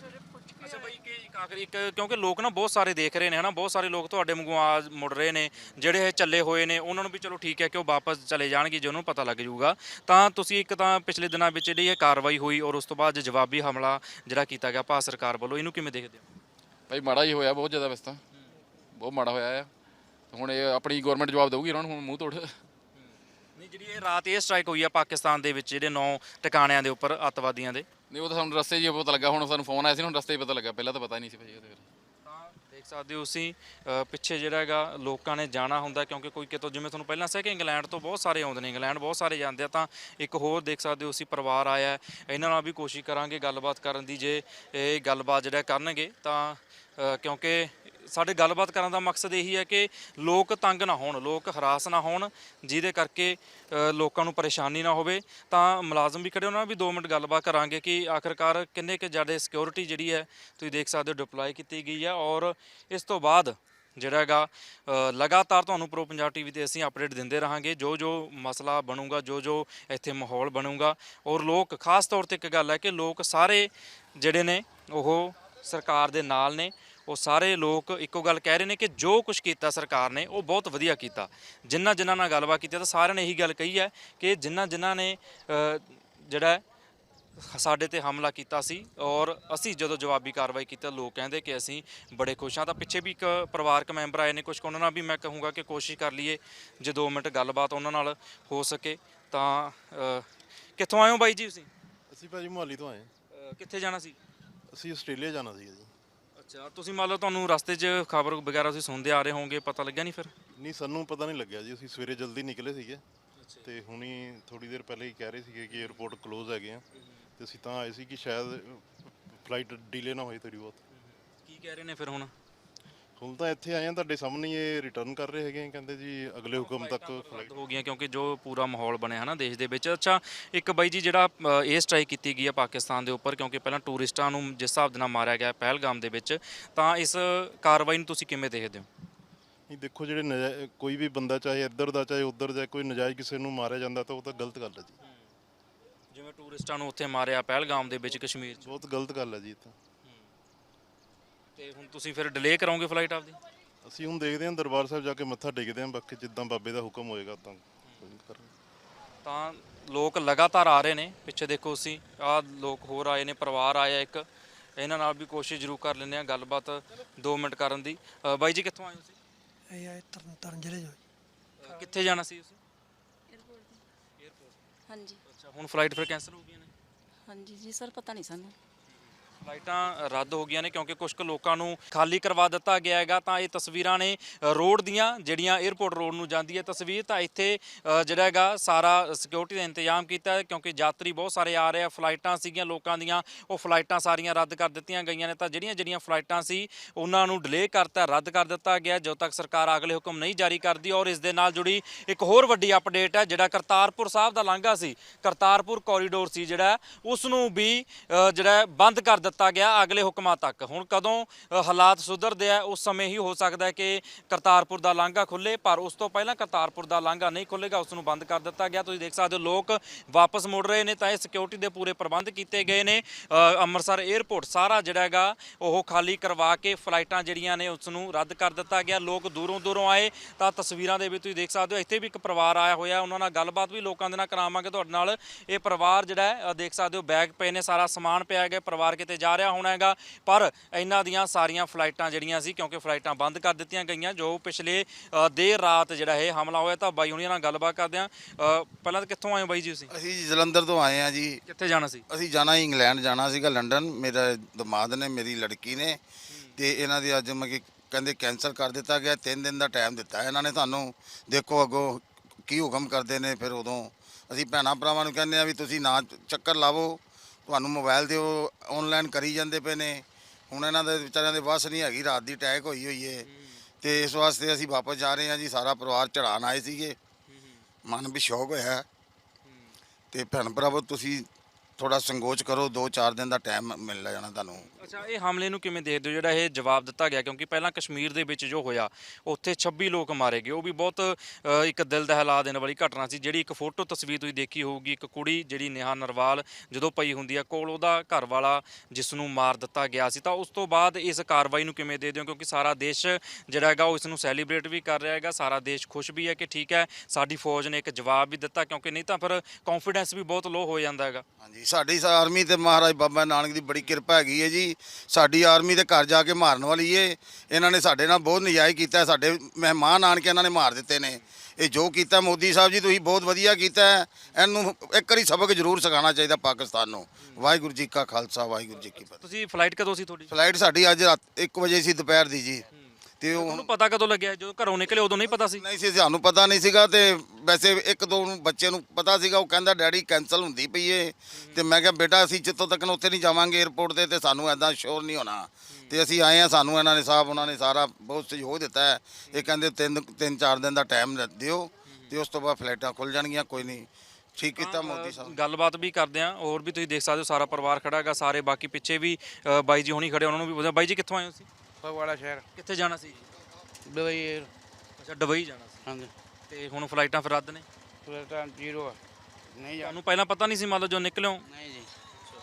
ਅੱਛਾ ਬਾਈ, ਕਿ ਇੱਕ ਆਖਰੀ ਇੱਕ, ਕਿਉਂਕਿ ਲੋਕ ਨਾ ਬਹੁਤ ਸਾਰੇ ਦੇਖ ਰਹੇ ਨੇ ਹਨਾ, ਬਹੁਤ ਸਾਰੇ ਲੋਕ ਤੁਹਾਡੇ ਵਾਂਗੂ ਆ ਮੁੜ ਰਹੇ ਨੇ, ਜਿਹੜੇ ਇਹ ਚੱਲੇ ਹੋਏ ਨੇ ਉਹਨਾਂ ਨੂੰ ਵੀ ਚਲੋ ਠੀਕ ਹੈ ਕਿ ਉਹ ਵਾਪਸ ਚਲੇ ਜਾਣਗੇ ਜੇ ਉਹਨੂੰ ਪਤਾ ਲੱਗ ਜਾਊਗਾ। ਤਾਂ ਤੁਸੀਂ ਇੱਕ ਤਾਂ ਪਿਛਲੇ ਦਿਨਾਂ ਵਿੱਚ ਜਿਹੜੀ ਇਹ ਕਾਰਵਾਈ ਹੋਈ ਔਰ ਉਸ ਤੋਂ ਬਾਅਦ ਜਵਾਬੀ ਹਮਲਾ ਜਿਹੜਾ ਕੀਤਾ ਗਿਆ ਭਾਰਤ ਸਰਕਾਰ ਵੱਲੋਂ, ਇਹਨੂੰ ਕਿਵੇਂ ਦੇਖਦੇ ਹੋ? ਭਾਈ ਮਾੜਾ ਹੀ ਹੋਇਆ, ਬਹੁਤ ਜ਼ਿਆਦਾ ਵੈਸੇ ਤਾਂ ਬਹੁਤ ਮਾੜਾ ਹੋਇਆ ਆ। ਹੁਣ ਇਹ ਆਪਣੀ ਗਵਰਨਮੈਂਟ ਜਵਾਬ ਦੇਊਗੀ ਉਹਨਾਂ ਨੂੰ ਹੁਣ ਮੂੰਹ ਤੋੜ। ਨਹੀਂ, ਜਿਹੜੀ ਇਹ ਰਾਤ ਇਹ ਸਟ੍ਰਾਈਕ ਹੋਈ ਆ ਪਾਕਿਸਤਾਨ ਦੇ ਵਿੱਚ ਜਿਹੜੇ ਨੌ ਟਿਕਾਣਿਆਂ ਦੇ ਉੱਪਰ ਅੱਤਵਾਦੀਆਂ ਦੇ, ਨਹੀਂ ਉਹ ਤਾਂ ਸਾਨੂੰ ਰਸਤੇ 'ਚ ਹੀ ਪਤਾ ਲੱਗਾ। ਹੁਣ ਸਾਨੂੰ ਫੋਨ ਆਇਆ ਸੀ, ਹੁਣ ਰਸਤੇ 'ਚ ਪਤਾ ਲੱਗਾ, ਪਹਿਲਾਂ ਤਾਂ ਪਤਾ ਹੀ ਨਹੀਂ ਸੀ ਭਾਈ ਉਹਦੇ ਫਿਰ। ਤਾਂ ਦੇਖ ਸਕਦੇ ਹੋ ਤੁਸੀਂ ਅ, ਪਿੱਛੇ ਜਿਹੜਾ ਹੈਗਾ ਲੋਕਾਂ ਨੇ ਜਾਣਾ ਹੁੰਦਾ, ਕਿਉਂਕਿ ਕੋਈ ਕਿਤੋਂ, ਜਿਵੇਂ ਤੁਹਾਨੂੰ ਪਹਿਲਾਂ ਦੱਸਿਆ ਕਿ ਇੰਗਲੈਂਡ ਤੋਂ ਬਹੁਤ ਸਾਰੇ ਆਉਂਦੇ ਨੇ, ਇੰਗਲੈਂਡ ਬਹੁਤ ਸਾਰੇ ਜਾਂਦੇ ਆ। ਤਾਂ ਇੱਕ ਹੋਰ ਦੇਖ ਸਕਦੇ ਹੋ ਅਸੀਂ ਪਰਿਵਾਰ ਆਇਆ, ਇਹਨਾਂ ਨਾਲ ਵੀ ਕੋਸ਼ਿਸ਼ ਕਰਾਂਗੇ ਗੱਲਬਾਤ ਕਰਨ ਦੀ, ਜੇ ਇਹ ਗੱਲਬਾਤ ਜਿਹੜਾ ਕਰਨਗੇ ਤਾਂ ਅ, ਕਿਉਂਕਿ ਸਾਡੇ ਗੱਲਬਾਤ ਕਰਨ ਦਾ ਮਕਸਦ ਇਹੀ ਹੈ ਕਿ ਲੋਕ ਤੰਗ ਨਾ ਹੋਣ, ਲੋਕ ਹਰਾਸ ਨਾ ਹੋਣ, ਜਿਹਦੇ ਕਰਕੇ ਅ, ਲੋਕਾਂ ਨੂੰ ਪਰੇਸ਼ਾਨੀ ਨਾ ਹੋਵੇ। ਤਾਂ ਮੁਲਾਜ਼ਮ ਵੀ ਖੜੇ, ਉਹਨਾਂ ਨਾਲ ਵੀ ਦੋ ਮਿੰਟ ਗੱਲਬਾਤ ਕਰਾਂਗੇ ਕਿ ਆਖਿਰਕਾਰ ਕਿੰਨੇ ਕੁ ਜ਼ਿਆਦਾ ਸਿਕਿਉਰਿਟੀ ਜਿਹੜੀ ਹੈ ਤੁਸੀਂ ਦੇਖ ਸਕਦੇ ਹੋ ਡਿਪਲੋਏ ਕੀਤੀ ਗਈ ਹੈ। ਔਰ ਇਸ ਤੋਂ ਬਾਅਦ ਜਿਹੜਾ ਹੈਗਾ ਅ, ਲਗਾਤਾਰ ਤੁਹਾਨੂੰ ਪ੍ਰੋ ਪੰਜਾਬ ਟੀਵੀ ਤੇ ਅਸੀਂ ਅਪਡੇਟ ਦਿੰਦੇ ਰਹਾਂਗੇ, ਜੋ ਜੋ ਮਸਲਾ ਬਣੂਗਾ, ਜੋ ਜੋ ਇੱਥੇ ਮਾਹੌਲ ਬਣੂਗਾ। ਔਰ ਲੋਕ ਖਾਸ ਤੌਰ ਤੇ ਇੱਕ ਗੱਲ ਹੈ ਕਿ ਲੋਕ ਸਾਰੇ ਜਿਹੜੇ ਨੇ ਉਹ ਸਰਕਾਰ ਦੇ ਨਾਲ ਨੇ। ਉਹ ਸਾਰੇ ਲੋਕ ਇੱਕੋ ਗੱਲ ਕਹਿ ਰਹੇ ਨੇ ਕਿ ਜੋ ਕੁਝ ਕੀਤਾ ਸਰਕਾਰ ਨੇ ਉਹ ਬਹੁਤ ਵਧੀਆ ਕੀਤਾ। ਜਿਨ੍ਹਾਂ ਜਿਨ੍ਹਾਂ ਨਾਲ ਗੱਲਬਾਤ ਕੀਤੀ ਤਾਂ ਸਾਰਿਆਂ ਨੇ ਇਹੀ ਗੱਲ ਕਹੀ ਹੈ ਕਿ ਜਿਨ੍ਹਾਂ ਜਿਨ੍ਹਾਂ ਨੇ ਅ, ਜਿਹੜਾ ਸਾਡੇ ਤੇ ਹਮਲਾ ਕੀਤਾ ਸੀ ਔਰ ਅਸੀਂ ਜਦੋਂ ਜਵਾਬੀ ਕਾਰਵਾਈ ਕੀਤੀ, ਲੋਕ ਕਹਿੰਦੇ ਕਿ ਅਸੀਂ ਬੜੇ ਖੁਸ਼ ਹਾਂ। ਤਾਂ ਪਿੱਛੇ ਵੀ ਇੱਕ ਪਰਿਵਾਰਕ ਮੈਂਬਰ ਆਏ ਨੇ, ਕੁਝ ਉਹਨਾਂ ਨਾਲ ਵੀ ਮੈਂ ਕਹੂੰਗਾ ਕਿ ਕੋਸ਼ਿਸ਼ ਕਰ ਲਈਏ ਜੇ ਦੋ ਮਿੰਟ ਗੱਲਬਾਤ ਉਹਨਾਂ ਨਾਲ ਹੋ ਸਕੇ। ਤਾਂ ਅ, ਕਿੱਥੋਂ ਆਏ ਹੋ ਬਾਈ ਜੀ ਤੁਸੀਂ? ਅਸੀਂ ਭਾਜੀ ਮੁਹਾਲੀ ਤੋਂ ਆਏ ਹਾਂ। ਅ, ਕਿੱਥੇ ਜਾਣਾ ਸੀ? ਅਸੀਂ ਆਸਟ੍ਰੇਲੀਆ ਜਾਣਾ ਸੀਗਾ ਜੀ। ਅੱਛਾ, ਤੁਸੀਂ ਮੰਨ ਲਓ ਤੁਹਾਨੂੰ ਰਸਤੇ 'ਚ ਖਬਰ ਵਗੈਰਾ ਤੁਸੀਂ ਸੁਣਦੇ ਆ ਰਹੇ ਹੋਵੋਗੇ, ਪਤਾ ਲੱਗਿਆ ਨਹੀਂ ਫਿਰ? ਨਹੀਂ, ਸਾਨੂੰ ਪਤਾ ਨਹੀਂ ਲੱਗਿਆ ਜੀ। ਅਸੀਂ ਸਵੇਰੇ ਜਲਦੀ ਨਿਕਲੇ ਸੀਗੇ ਤੇ ਹੁਣੀ ਥੋੜੀ ਦੇਰ ਪਹਿਲੇ ਹੀ ਕਹਿ ਰਹੇ ਸੀਗੇ ਕਿ 에ਅਰਪੋਰਟ ਕਲੋਜ਼ ਹੈਗੇ ਆ, ਤੇ ਅਸੀਂ ਤਾਂ ਆਏ ਸੀ ਕਿ ਸ਼ਾਇਦ ਫਲਾਈਟ ਡੀਲੇ ਨਾ ਹੋਏ ਥੋੜੀ ਬਹੁਤ। ਕੀ ਕਹਿ ਰਹੇ ਨੇ ਫਿਰ ਹੁਣ? ਹੁਣ ਤਾਂ ਇੱਥੇ ਆਏ ਆ ਤੁਹਾਡੇ ਸਾਹਮਣੇ, ਇਹ ਰਿਟਰਨ ਕਰ ਰਹੇ ਹੈਗੇ ਆ, ਕਹਿੰਦੇ ਜੀ ਅਗਲੇ ਹੁਕਮ ਤੱਕ ਫਲਾਈਟ। ਹੋ ਗਈਆਂ ਕਿਉਂਕਿ ਜੋ ਪੂਰਾ ਮਾਹੌਲ ਬਣਿਆ ਹਨਾ ਦੇਸ਼ ਦੇ ਵਿੱਚ। ਅੱਛਾ, ਇੱਕ ਬਾਈ ਜੀ ਜਿਹੜਾ ਅ, ਇਹ ਸਟ੍ਰਾਈਕ ਕੀਤੀ ਗਈ ਹੈ ਪਾਕਿਸਤਾਨ ਦੇ ਉੱਪਰ, ਕਿਉਂਕਿ ਪਹਿਲਾਂ ਟੂਰਿਸਟਾਂ ਨੂੰ ਜਿਸ ਹਿਸਾਬ ਦੇ ਨਾਲ ਮਾਰਿਆ ਗਿਆ ਪਹਿਲਗਾਮ ਦੇ ਵਿੱਚ, ਤਾਂ ਇਸ ਕਾਰਵਾਈ ਨੂੰ ਤੁਸੀਂ ਕਿਵੇਂ ਦੇਖਦੇ ਹੋ? ਨਹੀਂ ਦੇਖੋ, ਜਿਹੜੇ ਨਜਾ- ਕੋਈ ਵੀ ਬੰਦਾ ਚਾਹੇ ਇੱਧਰ ਦਾ ਚਾਹੇ ਉੱਧਰ ਦਾ, ਕੋਈ ਨਜਾਇਜ਼ ਕਿਸੇ ਨੂੰ ਮਾਰਿਆ ਜਾਂਦਾ ਤਾਂ ਉਹ ਤਾਂ ਗਲਤ ਗੱਲ ਹੈ ਜੀ। ਜਿਵੇਂ ਟੂਰਿਸਟਾਂ ਨੂੰ ਉੱਥੇ ਮਾਰਿਆ ਪਹਿਲਗਾਮ ਦੇ ਵਿੱਚ ਕਸ਼ਮੀਰ 'ਚ, ਬਹੁਤ ਗਲਤ ਗੱਲ ਹੈ ਜੀ ਇਹ ਤਾਂ। ਤੇ ਹੁਣ ਤੁਸੀਂ ਫਿਰ ਡਿਲੇ ਕਰੋਗੇ ਫਲਾਈਟ ਆਪਦੀ? ਅਸੀਂ ਹੁਣ ਦੇਖਦੇ ਹਾਂ, ਦਰਬਾਰ ਸਾਹਿਬ ਜਾ ਕੇ ਮੱਥਾ ਟੇਕਦੇ ਹਾਂ, ਬਾਕੀ ਜਿੱਦਾਂ ਬਾਬੇ ਦਾ ਹੁਕਮ ਹੋਏਗਾ ਤਾਂ ਕਰਾਂਗੇ। ਤਾਂ ਲੋਕ ਲਗਾਤਾਰ ਆ ਰਹੇ ਨੇ, ਪਿੱਛੇ ਦੇਖੋ ਤੁਸੀਂ ਆਹ ਲੋਕ ਹੋਰ ਆਏ ਨੇ, ਪਰਿਵਾਰ ਆਇਆ ਇੱਕ, ਇਹਨਾਂ ਨਾਲ ਵੀ ਕੋਸ਼ਿਸ਼ ਜ਼ਰੂਰ ਕਰ ਲੈਂਦੇ ਆ ਗੱਲਬਾਤ ਦੋ ਮਿੰਟ ਕਰਨ ਦੀ। ਅ, ਬਾਈ ਜੀ ਕਿੱਥੋਂ ਆਏ ਹੋ ਤੁਸੀਂ? ਇਹ ਆਏ ਤਰਨ ਤਾਰਨ ਜ਼ਿਲ੍ਹੇ 'ਚੋਂ ਜੀ। ਅ, ਕਿੱਥੇ ਜਾਣਾ ਸੀ ਤੁਸੀਂ? ਹਾਂਜੀ ਅੱਛਾ, ਹੁਣ ਫਲਾਈਟ ਫਿਰ ਕੈਂਸਲ ਹੋ ਗਈਆਂ ਨੇ? ਹਾਂਜੀ ਜੀ ਸਰ, ਪਤਾ ਨਹੀਂ ਸਾਨੂੰ। ਫਲਾਈਟਾਂ ਰੱਦ ਹੋ ਗਈਆਂ ਨੇ ਕਿਉਂਕਿ ਕੁਝ ਕੁ ਲੋਕਾਂ ਨੂੰ ਖਾਲੀ ਕਰਵਾ ਦਿੱਤਾ ਗਿਆ ਹੈਗਾ। ਤਾਂ ਇਹ ਤਸਵੀਰਾਂ ਨੇ ਰੋਡ ਦੀਆਂ, ਜਿਹੜੀਆਂ 에ਅਰਪੋਰਟ ਰੋਡ ਨੂੰ ਜਾਂਦੀ ਹੈ ਤਸਵੀਰ। ਤਾਂ ਇੱਥੇ ਅ, ਜਿਹੜਾ ਹੈਗਾ ਸਾਰਾ ਸਿਕਿਉਰਿਟੀ ਦਾ ਇੰਤਜ਼ਾਮ ਕੀਤਾ ਹੈ, ਕਿਉਂਕਿ ਯਾਤਰੀ ਬਹੁਤ ਸਾਰੇ ਆ ਰਹੇ ਆ। ਫਲਾਈਟਾਂ ਸੀਗੀਆਂ ਲੋਕਾਂ ਦੀਆਂ, ਉਹ ਫਲਾਈਟਾਂ ਸਾਰੀਆਂ ਰੱਦ ਕਰ ਦਿੱਤੀਆਂ ਗਈਆਂ ਨੇ। ਤਾਂ ਜਿਹੜੀਆਂ ਜਿਹੜੀਆਂ ਫਲਾਈਟਾਂ ਸੀ ਉਹਨਾਂ ਨੂੰ ਡਿਲੇ ਕਰਤਾ, ਰੱਦ ਕਰ ਦਿੱਤਾ ਗਿਆ ਜਦੋਂ ਤੱਕ ਸਰਕਾਰ ਅਗਲੇ ਹੁਕਮ ਨਹੀਂ ਜਾਰੀ ਕਰਦੀ। ਔਰ ਇਸ ਦੇ ਨਾਲ ਜੁੜੀ ਇੱਕ ਹੋਰ ਵੱਡੀ ਅਪਡੇਟ ਹੈ, ਜਿਹੜਾ ਕਰਤਾਰਪੁਰ ਸਾਹਿਬ ਦਾ ਲਾਂਘਾ ਸੀ, ਕਰਤਾਰਪੁਰ ਕੋਰੀਡੋਰ ਸੀ ਜਿਹੜਾ, ਉਸ ਨੂੰ ਵੀ ਅ, ਜਿਹੜਾ ਬੰਦ ਕਰ ਦਿੱਤਾ ਦਿੱਤਾ ਗਿਆ ਅਗਲੇ ਹੁਕਮਾਂ ਤੱਕ। ਹੁਣ ਕਦੋਂ ਅ, ਹਾਲਾਤ ਸੁਧਰਦੇ ਆ ਉਸ ਸਮੇਂ ਹੀ ਹੋ ਸਕਦਾ ਹੈ ਕਿ ਕਰਤਾਰਪੁਰ ਦਾ ਲਾਂਘਾ ਖੁੱਲੇ, ਪਰ ਉਸ ਤੋਂ ਪਹਿਲਾਂ ਕਰਤਾਰਪੁਰ ਦਾ ਲਾਂਘਾ ਨਹੀਂ ਖੁੱਲੇਗਾ, ਉਸ ਨੂੰ ਬੰਦ ਕਰ ਦਿੱਤਾ ਗਿਆ। ਤੁਸੀਂ ਦੇਖ ਸਕਦੇ ਹੋ ਲੋਕ ਵਾਪਸ ਮੁੜ ਰਹੇ ਨੇ ਤਾਂ ਇਹ ਸਿਕਿਉਰਿਟੀ ਦੇ ਪੂਰੇ ਪ੍ਰਬੰਧ ਕੀਤੇ ਗਏ ਨੇ। ਅ, ਅੰਮ੍ਰਿਤਸਰ 에ਅਰਪੋਰਟ ਸਾਰਾ ਜਿਹੜਾ ਹੈਗਾ ਉਹ ਖਾਲੀ ਕਰਵਾ ਕੇ ਫਲਾਈਟਾਂ ਜਿਹੜੀਆਂ ਨੇ ਉਸ ਨੂੰ ਰੱਦ ਕਰ ਦਿੱਤਾ ਗਿਆ। ਲੋਕ ਦੂਰੋਂ ਦੂਰੋਂ ਆਏ ਤਾਂ ਤਸਵੀਰਾਂ ਦੇ ਵਿੱਚ ਤੁਸੀਂ ਦੇਖ ਸਕਦੇ ਹੋ ਇੱਥੇ ਵੀ ਇੱਕ ਪਰਿਵਾਰ ਆਇਆ ਹੋਇਆ, ਉਹਨਾਂ ਨਾਲ ਗੱਲਬਾਤ ਵੀ ਲੋਕਾਂ ਦੇ ਨਾਲ ਕਰਾਵਾਂਗੇ ਤੁਹਾਡੇ ਨਾਲ। ਇਹ ਪਰਿਵਾਰ ਜਿਹੜਾ ਹੈ ਅ, ਦੇਖ ਸਕਦੇ ਹੋ ਬੈਗ ਪਏ ਨੇ, ਸਾਰਾ ਸਮਾਨ ਪਿਆ ਹੈਗਾ, ਪਰਿਵਾਰ ਕਿਤੇ ਜਾ ਰਿਹਾ ਹੋਣਾ ਹੈਗਾ, ਪਰ ਇਹਨਾਂ ਦੀਆਂ ਸਾਰੀਆਂ ਫਲਾਈਟਾਂ ਜਿਹੜੀਆਂ ਸੀ ਕਿਉਂਕਿ ਫਲਾਈਟਾਂ ਬੰਦ ਕਰ ਦਿੱਤੀਆਂ ਗਈਆਂ ਜੋ ਪਿਛਲੇ ਅ, ਦੇਰ ਰਾਤ ਜਿਹੜਾ ਇਹ ਹਮਲਾ ਹੋਇਆ। ਤਾਂ ਬਾਈ ਹੁਣੀਆਂ ਨਾਲ ਗੱਲਬਾਤ ਕਰਦੇ ਹਾਂ। ਅ, ਪਹਿਲਾਂ ਤਾਂ ਕਿੱਥੋਂ ਆਏ ਹੋ ਬਾਈ ਜੀ ਤੁਸੀਂ? ਅਸੀਂ ਜੀ ਜਲੰਧਰ ਤੋਂ ਆਏ ਆ ਜੀ। ਕਿੱਥੇ ਜਾਣਾ ਸੀ? ਅਸੀਂ ਜਾਣਾ ਸੀ ਇੰਗਲੈਂਡ ਜਾਣਾ ਸੀਗਾ, ਲੰਡਨ। ਮੇਰਾ ਦਮਾਦ ਨੇ, ਮੇਰੀ ਲੜਕੀ ਨੇ, ਤੇ ਇਹਨਾਂ ਦੀ ਅੱਜ ਮਤਲਬ ਕਿ ਕਹਿੰਦੇ ਕੈਂਸਲ ਕਰ ਦਿੱਤਾ ਗਿਆ। ਤਿੰਨ ਦਿਨ ਦਾ ਟਾਈਮ ਦਿੱਤਾ ਇਹਨਾਂ ਨੇ ਸਾਨੂੰ। ਦੇਖੋ ਅੱਗੋਂ ਕੀ ਹੁਕਮ ਕਰਦੇ ਨੇ। ਫਿਰ ਉਦੋਂ ਅਸੀਂ ਭੈਣਾਂ ਭਰਾਵਾਂ ਨੂੰ ਕਹਿੰਦੇ ਆ ਵੀ ਤੁਸੀਂ ਨਾ ਚੱਕਰ ਲਾਵੋ, ਤੁਹਾਨੂੰ ਮੋਬਾਈਲ ਤੇ ਉਹ ਆਨਲਾਈਨ ਕਰੀ ਜਾਂਦੇ ਪਏ ਨੇ। ਹੁਣ ਇਹਨਾਂ ਦੇ ਵਿਚਾਰਿਆਂ ਦੇ ਵੱਸ ਨਹੀਂ ਹੈਗੀ, ਰਾਤ ਦੀ ਅਟੈਕ ਹੋਈ ਹੋਈ ਏ, ਤੇ ਇਸ ਵਾਸਤੇ ਅਸੀਂ ਵਾਪਸ ਜਾ ਰਹੇ ਹਾਂ ਜੀ। ਸਾਰਾ ਪਰਿਵਾਰ ਚੜਾਉਣ ਆਏ ਸੀਗੇ, ਮਨ ਵੀ ਸ਼ੌਕ ਹੋਇਆ। ਤੇ ਭੈਣ ਭਰਾਵੋ ਤੁਸੀਂ ਥੋੜਾ ਸੰਕੋਚ ਕਰੋ, ਦੋ ਚਾਰ ਦਿਨ ਦਾ ਟਾਈਮ ਮਿਲ ਜਾਣਾ ਤੁਹਾਨੂੰ। ਅੱਛਾ, ਇਹ ਹਮਲੇ ਨੂੰ ਕਿਵੇਂ ਦੇਖਦੇ ਹੋ ਜਿਹੜਾ ਇਹ ਜਵਾਬ ਦਿੱਤਾ ਗਿਆ? ਕਿਉਂਕਿ ਪਹਿਲਾਂ ਕਸ਼ਮੀਰ ਦੇ ਵਿੱਚ ਜੋ ਹੋਇਆ ਉੱਥੇ ਛੱਬੀ ਲੋਕ ਮਾਰੇ ਗਏ, ਉਹ ਵੀ ਬਹੁਤ ਅ, ਇੱਕ ਦਿਲ ਦਹਿਲਾ ਦੇਣ ਵਾਲੀ ਘਟਨਾ ਸੀ। ਜਿਹੜੀ ਇੱਕ ਫੋਟੋ ਤਸਵੀਰ ਤੁਸੀਂ ਦੇਖੀ ਹੋਊਗੀ, ਇੱਕ ਕੁੜੀ ਜਿਹੜੀ ਨੇਹਾ ਨਰਵਾਲ ਜਦੋਂ ਪਈ ਹੁੰਦੀ ਆ ਕੋਲ ਉਹਦਾ ਘਰ ਵਾਲਾ ਜਿਸ ਨੂੰ ਮਾਰ ਦਿੱਤਾ ਗਿਆ ਸੀ। ਤਾਂ ਉਸ ਤੋਂ ਬਾਅਦ ਇਸ ਕਾਰਵਾਈ ਨੂੰ ਕਿਵੇਂ ਦੇਖਦੇ ਹੋ? ਕਿਉਂਕਿ ਸਾਰਾ ਦੇਸ਼ ਜਿਹੜਾ ਹੈਗਾ ਉਹ ਇਸ ਨੂੰ ਸੈਲੀਬ੍ਰੇਟ ਵੀ ਕਰ ਰਿਹਾ ਹੈਗਾ, ਸਾਰਾ ਦੇਸ਼ ਖੁਸ਼ ਵੀ ਹੈ ਕਿ ਠੀਕ ਹੈ ਸਾਡੀ ਫੌਜ ਨੇ ਇੱਕ ਜਵਾਬ ਵੀ ਦਿੱਤਾ, ਕਿਉਂਕਿ ਨਹੀਂ ਤਾਂ ਫਿਰ ਕੌਨਫੀਡੈਂਸ ਵੀ ਬਹੁਤ ਲੋ ਹੋ ਜਾਂਦਾ ਹੈਗਾ। ਹਾਂਜੀ, ਸਾਡੀ ਆਰਮੀ ਤੇ ਮਹਾਰਾਜ ਬਾਬਾ ਨਾਨਕ ਦੀ ਬੜੀ ਕਿਰਪਾ ਹੈਗੀ ਹੈ ਜੀ। ਸਾਡੀ ਆਰਮੀ ਦੇ ਘਰ ਜਾ ਕੇ ਮਾਰਨ ਵਾਲੀ ਏ। ਇਹਨਾਂ ਨੇ ਸਾਡੇ ਨਾਲ ਬਹੁਤ ਨਜਾਇਜ਼ ਕੀਤਾ, ਸਾਡੇ ਮਹਿਮਾਨ ਆਣ ਕੇ ਇਹਨਾਂ ਨੇ ਮਾਰ ਦਿੱਤੇ ਨੇ। ਇਹ ਜੋ ਕੀਤਾ ਮੋਦੀ ਸਾਹਿਬ ਜੀ ਤੁਸੀਂ ਬਹੁਤ ਵਧੀਆ ਕੀਤਾ। ਇਹਨੂੰ ਇੱਕ ਵਾਰੀ ਸਬਕ ਜ਼ਰੂਰ ਸਿਖਾਉਣਾ ਚਾਹੀਦਾ ਪਾਕਿਸਤਾਨ ਨੂੰ। ਵਾਹਿਗੁਰੂ ਜੀ ਕਾ ਖਾਲਸਾ, ਵਾਹਿਗੁਰੂ ਜੀ ਕੀ ਫਤਿਹ। ਤੁਸੀਂ ਫਲਾਈਟ ਕਦੋਂ ਸੀ ਤੁਹਾਡੀ? ਫਲਾਈਟ ਸਾਡੀ ਅੱਜ ਰਾਤ ਇੱਕ ਵਜੇ ਸੀ ਦੁਪਹਿਰ ਦੀ ਜੀ। ਤੇ ਉਹ ਤੁਹਾਨੂੰ ਪਤਾ ਕਦੋਂ ਲੱਗਿਆ? ਜਦੋਂ ਘਰੋਂ ਨਿਕਲੇ ਉਦੋਂ ਨਹੀਂ ਪਤਾ ਸੀ? ਨਹੀਂ ਸੀ, ਸਾਨੂੰ ਪਤਾ ਨਹੀਂ ਸੀਗਾ। ਤੇ ਵੈਸੇ ਇੱਕ ਦੋ ਨੂੰ ਬੱਚੇ ਨੂੰ ਪਤਾ ਸੀਗਾ, ਉਹ ਕਹਿੰਦਾ ਡੈਡੀ ਕੈਂਸਲ ਹੁੰਦੀ ਪਈ ਏ। ਤੇ ਮੈਂ ਕਿਹਾ ਬੇਟਾ ਅਸੀਂ ਜਿੱਥੋਂ ਤੱਕ ਉੱਥੇ ਨਹੀਂ ਜਾਵਾਂਗੇ 에ਅਰਪੋਰਟ ਤੇ, ਤੇ ਸਾਨੂੰ ਐਦਾਂ ਸ਼ੋਰ ਨਹੀਂ ਹੋਣਾ। ਤੇ ਅਸੀਂ ਆਏ ਆ, ਸਾਨੂੰ ਇਹਨਾਂ ਨੇ ਸਾਹਿਬ ਉਹਨਾਂ ਨੇ ਸਾਰਾ ਬਹੁਤ ਸਹਿਯੋਗ ਦਿੱਤਾ ਹੈ। ਇਹ ਕਹਿੰਦੇ ਤਿੰਨ ਤਿੰਨ ਚਾਰ ਦਿਨ ਦਾ ਟਾਈਮ ਦਿਓ ਤੇ ਉਸ ਤੋਂ ਬਾਅਦ ਫਲਾਈਟਾਂ ਖੁੱਲ ਜਾਣਗੀਆਂ। ਕੋਈ ਨਹੀਂ, ਠੀਕ ਕੀਤਾ ਮੋਦੀ ਸਾਹਿਬ। ਗੱਲਬਾਤ ਵੀ ਕਰਦੇ ਆ, ਹੋਰ ਵੀ ਤੁਸੀਂ ਦੇਖ ਸਕਦੇ ਹੋ ਸਾਰਾ ਪਰਿਵਾਰ ਖੜਾ ਹੈਗਾ, ਸਾਰੇ ਬਾਕੀ ਪਿੱਛੇ ਵੀ ਅ, ਬਾਈ ਜੀ ਹੁਣੀ ਖੜੇ, ਉਹਨਾਂ ਨੂੰ ਵੀ ਪੁੱਛਿਆ। ਬਾਈ ਜੀ ਕਿੱਥੋਂ ਆਏ ਹੋ ਸੀ? ਫਗਵਾੜਾ ਸ਼ਹਿਰ ਕਿੱਥੇ ਜਾਣਾ ਸੀ? ਦੁਬਈ। ਅੱਛਾ, ਦੁਬਈ ਜਾਣਾ ਸੀ। ਹਾਂਜੀ, ਤੇ ਹੁਣ ਫਲਾਈਟਾਂ ਫਿਰ ਰੱਦ ਨੇ? ਫਲਾਈਟਾਂ ਜ਼ੀਰੋ ਆ, ਨਹੀਂ ਜਾ ਤੁਹਾਨੂੰ ਪਹਿਲਾਂ ਪਤਾ ਨਹੀਂ ਸੀ ਮੰਨ ਲਓ ਜੋ ਨਿਕਲਿਓ? ਨਹੀਂ ਜੀ,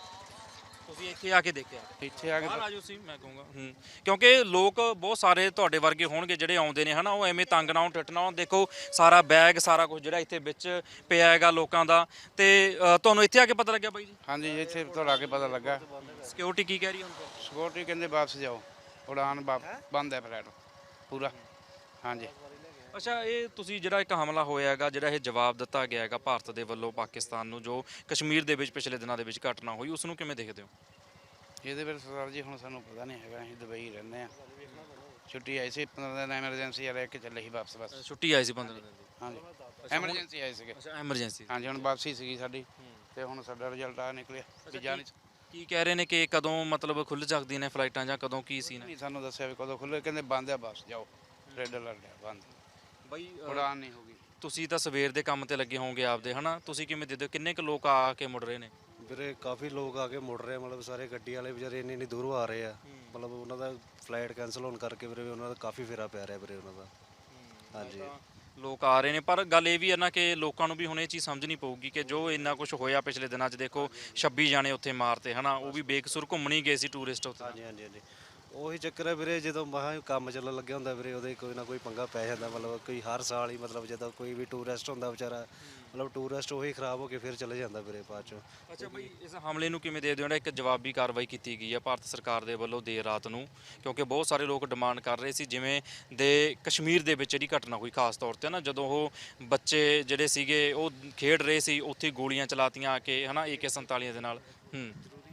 ਤੁਸੀਂ ਇੱਥੇ ਆ ਕੇ ਦੇਖਿਆ? ਇੱਥੇ ਆ ਕੇ ਬਾਹਰ ਆ ਜਾਓ ਸੀ ਮੈਂ ਕਹੂੰਗਾ। ਹੂੰ, ਕਿਉਂਕਿ ਲੋਕ ਬਹੁਤ ਸਾਰੇ ਤੁਹਾਡੇ ਵਰਗੇ ਹੋਣਗੇ ਜਿਹੜੇ ਆਉਂਦੇ ਨੇ ਹਨਾ, ਉਹ ਐਵੇਂ ਤੰਗ ਨਾ ਹੋਣ, ਟਿੱਟ ਨਾ ਹੋਣ। ਦੇਖੋ ਸਾਰਾ ਬੈਗ ਸਾਰਾ ਕੁਝ ਜਿਹੜਾ ਇੱਥੇ ਵਿੱਚ ਪਿਆ ਹੈਗਾ ਲੋਕਾਂ ਦਾ। ਤੇ ਅ, ਤੁਹਾਨੂੰ ਇੱਥੇ ਆ ਕੇ ਪਤਾ ਲੱਗਿਆ ਬਾਈ ਜੀ? ਹਾਂਜੀ, ਇੱਥੇ ਤੋਂ ਆ ਕੇ ਪਤਾ ਲੱਗਾ। ਸਿਕਿਉਰਿਟੀ ਕੀ ਕਹਿ ਰਹੀ ਹੈ ਹੁਣ ਫਿਰ? ਸਿਕਿਉਰਿਟੀ ਕਹਿੰਦੇ ਵਾਪਸ ਜਾਓ, ਉਡਾਨ ਬੰਦ ਹੈ ਫਲਾਈਟ ਪੂਰਾ। ਹਾਂਜੀ। ਅੱਛਾ, ਇਹ ਤੁਸੀਂ ਜਿਹੜਾ ਇੱਕ ਹਮਲਾ ਹੋਇਆ ਹੈਗਾ, ਜਿਹੜਾ ਇਹ ਜਵਾਬ ਦਿੱਤਾ ਗਿਆ ਹੈਗਾ ਭਾਰਤ ਦੇ ਵੱਲੋਂ ਪਾਕਿਸਤਾਨ ਨੂੰ, ਜੋ ਕਸ਼ਮੀਰ ਦੇ ਵਿੱਚ ਪਿਛਲੇ ਦਿਨਾਂ ਦੇ ਵਿੱਚ ਘਟਨਾ ਹੋਈ, ਉਸ ਨੂੰ ਕਿਵੇਂ ਦੇਖਦੇ ਹੋ? ਇਹਦੇ ਬਾਰੇ ਸਰਦਾਰ ਜੀ ਹੁਣ ਸਾਨੂੰ ਪਤਾ ਨਹੀਂ ਹੈਗਾ, ਅਸੀਂ ਦੁਬਈ ਰਹਿੰਦੇ ਆ। ਛੁੱਟੀ ਆਈ ਸੀ ਪੰਦਰਾਂ ਦਿਨ ਐਮਰਜੈਂਸੀ ਆ, ਰਹਿ ਕੇ ਚੱਲੇ ਸੀ ਵਾਪਸ ਬਸ। ਛੁੱਟੀ ਆਈ ਸੀ ਪੰਦਰਾਂ ਦਿਨ ਦੀ? ਹਾਂਜੀ, ਐਮਰਜੈਂਸੀ ਆਏ ਸੀਗੇ। ਅੱਛਾ, ਐਮਰਜੈਂਸੀ। ਹਾਂਜੀ, ਹੁਣ ਵਾਪਸੀ ਸੀਗੀ ਸਾਡੀ, ਤੇ ਹੁਣ ਸਾਡਾ ਰਿਜ਼ਲਟ ਆ ਨਿਕਲਿਆ ਵੀ ਜਾਣ ਕੀ ਕਹਿ ਰਹੇ ਨੇ ਕਿ ਕਦੋਂ ਮਤਲਬ ਖੁੱਲ ਸਕਦੀਆਂ ਨੇ ਫਲਾਈਟਾਂ ਜਾਂ ਕਦੋਂ ਕੀ ਸੀ? ਨਹੀਂ ਸਾਨੂੰ ਦੱਸਿਆ ਵੀ ਕਦੋਂ ਖੁੱਲੇ, ਕਹਿੰਦੇ ਬੰਦ ਆ ਬਸ ਜਾਓ, ਰੈੱਡ ਅਲਰਟ ਆ ਬੰਦ, ਬਾਈ ਉਡਾਨ ਨਹੀਂ ਹੋਗੀ। ਤੁਸੀਂ ਤਾਂ ਸਵੇਰ ਦੇ ਕੰਮ ਤੇ ਲੱਗੇ ਹੋਵੋਗੇ ਆਪਦੇ ਹਨਾ, ਤੁਸੀਂ ਕਿਵੇਂ ਦੇਖਦੇ ਹੋ ਕਿੰਨੇ ਕੁ ਲੋਕ ਆ ਕੇ ਮੁੜ ਰਹੇ ਨੇ? ਵੀਰੇ ਕਾਫੀ ਲੋਕ ਆ ਕੇ ਮੁੜ ਰਹੇ ਆ, ਮਤਲਬ ਸਾਰੇ ਗੱਡੀ ਵਾਲੇ ਵਿਚਾਰੇ ਇੰਨੀ ਇੰਨੀ ਦੂਰੋਂ ਆ ਰਹੇ ਆ। ਮਤਲਬ ਉਹਨਾਂ ਦਾ ਫਲਾਈਟ ਕੈਂਸਲ ਹੋਣ ਕਰਕੇ ਵੀਰੇ ਉਹਨਾਂ ਦਾ ਕਾਫੀ ਫੇਰਾ ਪੈ ਰਿਹਾ ਵੀਰੇ ਉਹਨਾਂ ਦਾ। ਹਾਂਜੀ, ਲੋਕ ਆ ਰਹੇ ਨੇ, ਪਰ ਗੱਲ ਇਹ ਵੀ ਹੈ ਨਾ ਕਿ ਲੋਕਾਂ ਨੂੰ ਵੀ ਹੁਣ ਇਹ ਚੀਜ਼ ਸਮਝਣੀ ਪਊਗੀ ਕਿ ਜੋ ਇੰਨਾ ਕੁਝ ਹੋਇਆ ਪਿਛਲੇ ਦਿਨਾਂ 'ਚ, ਦੇਖੋ ਛੱਬੀ ਜਾਣੇ ਉੱਥੇ ਮਾਰਤੇ ਹਨਾ, ਉਹ ਵੀ ਬੇਕਸੂਰ ਘੁੰਮਣ ਹੀ ਗਏ ਸੀ ਟੂਰਿਸਟ ਉੱਥੇ। ਹਾਂਜੀ ਹਾਂਜੀ ਹਾਂਜੀ ਉਹੀ ਚੱਕਰ ਹੈ ਵੀਰੇ, ਜਦੋਂ ਮਹਾ ਕੰਮ ਚੱਲਣ ਲੱਗਿਆ ਹੁੰਦਾ ਵੀਰੇ ਉਹਦੇ ਕੋਈ ਨਾ ਕੋਈ ਪੰਗਾ ਪੈ ਜਾਂਦਾ। ਮਤਲਬ ਕੋਈ ਹਰ ਸਾਲ ਹੀ ਮਤਲਬ ਜਦੋਂ ਕੋਈ ਵੀ ਟੂਰਿਸਟ ਹੁੰਦਾ ਵਿਚਾਰਾ, ਮਤਲਬ ਟੂਰਿਸਟ ਉਹੀ ਖਰਾਬ ਹੋ ਕੇ ਫਿਰ ਚਲੇ ਜਾਂਦਾ ਵੀਰੇ ਬਾਅਦ ਚੋਂ। ਅੱਛਾ ਬਈ, ਇਸ ਹਮਲੇ ਨੂੰ ਕਿਵੇਂ ਦੇਖਦੇ ਹੋ? ਜਿਹੜਾ ਇੱਕ ਜਵਾਬੀ ਕਾਰਵਾਈ ਕੀਤੀ ਗਈ ਹੈ ਭਾਰਤ ਸਰਕਾਰ ਦੇ ਵੱਲੋਂ ਦੇਰ ਰਾਤ ਨੂੰ, ਕਿਉਂਕਿ ਬਹੁਤ ਸਾਰੇ ਲੋਕ ਡਿਮਾਂਡ ਕਰ ਰਹੇ ਸੀ ਜਿਵੇਂ ਦੇ ਕਸ਼ਮੀਰ ਦੇ ਵਿੱਚ ਜਿਹੜੀ ਘਟਨਾ ਹੋਈ ਖਾਸ ਤੌਰ 'ਤੇ ਨਾ, ਜਦੋਂ ਉਹ ਬੱਚੇ ਜਿਹੜੇ ਸੀਗੇ ਉਹ ਖੇਡ ਰਹੇ ਸੀ, ਉੱਥੇ ਗੋਲੀਆਂ ਚਲਾਤੀਆਂ ਆ ਕੇ ਹਨਾ ਏ ਕੇ ਸੰਤਾਲੀ ਦੇ ਨਾਲ। ਹੂੰ,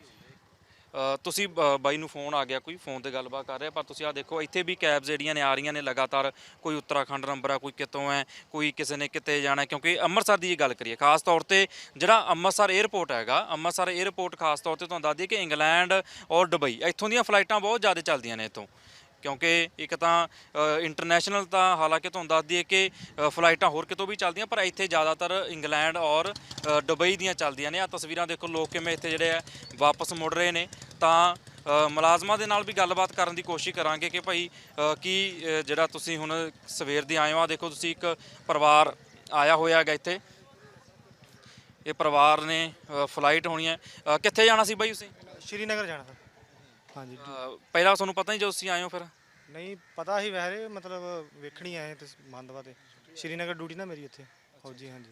ਤੁਸੀਂ ਬਾਈ ਨੂੰ ਫੋਨ ਆ ਗਿਆ, ਕੋਈ ਫੋਨ ਤੇ ਗੱਲਬਾਤ ਕਰ ਰਿਹਾ, ਪਰ ਤੁਸੀਂ ਆ ਦੇਖੋ ਇੱਥੇ ਵੀ ਕੈਬਸ ਜਿਹੜੀਆਂ ਨੇ ਆ ਰਹੀਆਂ ਨੇ ਲਗਾਤਾਰ। ਕੋਈ ਉੱਤਰਾਖੰਡ ਨੰਬਰ ਆ, ਕੋਈ ਕਿਤੋਂ ਹੈ, ਕੋਈ ਕਿਸੇ ਨੇ ਕਿਤੇ ਜਾਣਾ। ਕਿਉਂਕਿ ਅੰਮ੍ਰਿਤਸਰ ਦੀ ਇਹ ਗੱਲ ਕਰੀਏ ਖਾਸ ਤੌਰ ਤੇ, ਜਿਹੜਾ ਅੰਮ੍ਰਿਤਸਰ 에ਅਰਪੋਰਟ ਹੈਗਾ, ਅੰਮ੍ਰਿਤਸਰ 에ਅਰਪੋਰਟ ਖਾਸ ਤੌਰ ਤੇ ਤੁਹਾਨੂੰ ਦੱਸ ਦਈਏ ਕਿ ਇੰਗਲੈਂਡ ਔਰ ਦੁਬਈ ਇੱਥੋਂ ਦੀਆਂ ਫਲਾਈਟਾਂ ਬਹੁਤ ਜ਼ਿਆਦਾ ਚੱਲਦੀਆਂ ਨੇ ਇੱਥੋਂ, ਕਿਉਂਕਿ ਇੱਕ ਤਾਂ ਇੰਟਰਨੈਸ਼ਨਲ ਤਾਂ ਹਾਲਾਂਕਿ ਤੁਹਾਨੂੰ ਦੱਸ ਦਈਏ ਕਿ ਅ, ਫਲਾਈਟਾਂ ਹੋਰ ਕਿਤੋਂ ਵੀ ਚੱਲਦੀਆਂ, ਪਰ ਇੱਥੇ ਜ਼ਿਆਦਾਤਰ ਇੰਗਲੈਂਡ ਔਰ ਅ, ਦੁਬਈ ਦੀਆਂ ਚੱਲਦੀਆਂ ਨੇ। ਆ ਤਸਵੀਰਾਂ ਦੇਖੋ, ਲੋਕ ਕਿਵੇਂ ਇੱਥੇ ਜਿਹੜੇ ਆ ਵਾਪਸ ਮੁੜ ਰਹੇ ਨੇ। ਤਾਂ ਅ, ਮੁਲਾਜ਼ਮਾਂ ਦੇ ਨਾਲ ਵੀ ਗੱਲਬਾਤ ਕਰਨ ਦੀ ਕੋਸ਼ਿਸ਼ ਕਰਾਂਗੇ ਕਿ ਭਾਈ ਅ, ਕੀ ਅ, ਜਿਹੜਾ ਤੁਸੀਂ ਹੁਣ ਸਵੇਰ ਦੇ ਆਏ ਹੋ, ਆ ਦੇਖੋ ਤੁਸੀਂ ਇੱਕ ਪਰਿਵਾਰ ਆਇਆ ਹੋਇਆ ਹੈਗਾ ਇੱਥੇ। ਇਹ ਪਰਿਵਾਰ ਨੇ ਅ, ਫਲਾਈਟ ਹੋਣੀ ਹੈ। ਅ, ਕਿੱਥੇ ਜਾਣਾ ਸੀ ਬਾਈ ਤੁਸੀਂ? ਸ਼੍ਰੀਨਗਰ ਜਾਣਾ ਸਰ। ਹਾਂਜੀ ਅ, ਪਹਿਲਾਂ ਤੁਹਾਨੂੰ ਪਤਾ ਨਹੀਂ ਜਦੋਂ ਤੁਸੀਂ ਆਏ ਹੋ ਫਿਰ? ਨਹੀਂ ਪਤਾ ਸੀ ਵੈਸੇ, ਮਤਲਬ ਵੇਖਣੀ ਆਏ ਤੇ ਮੰਦਵਾ ਤੇ ਸ਼੍ਰੀਨਗਰ ਡਿਊਟੀ ਨਾ ਮੇਰੀ ਇੱਥੇ ਫੌਜੀ। ਹਾਂਜੀ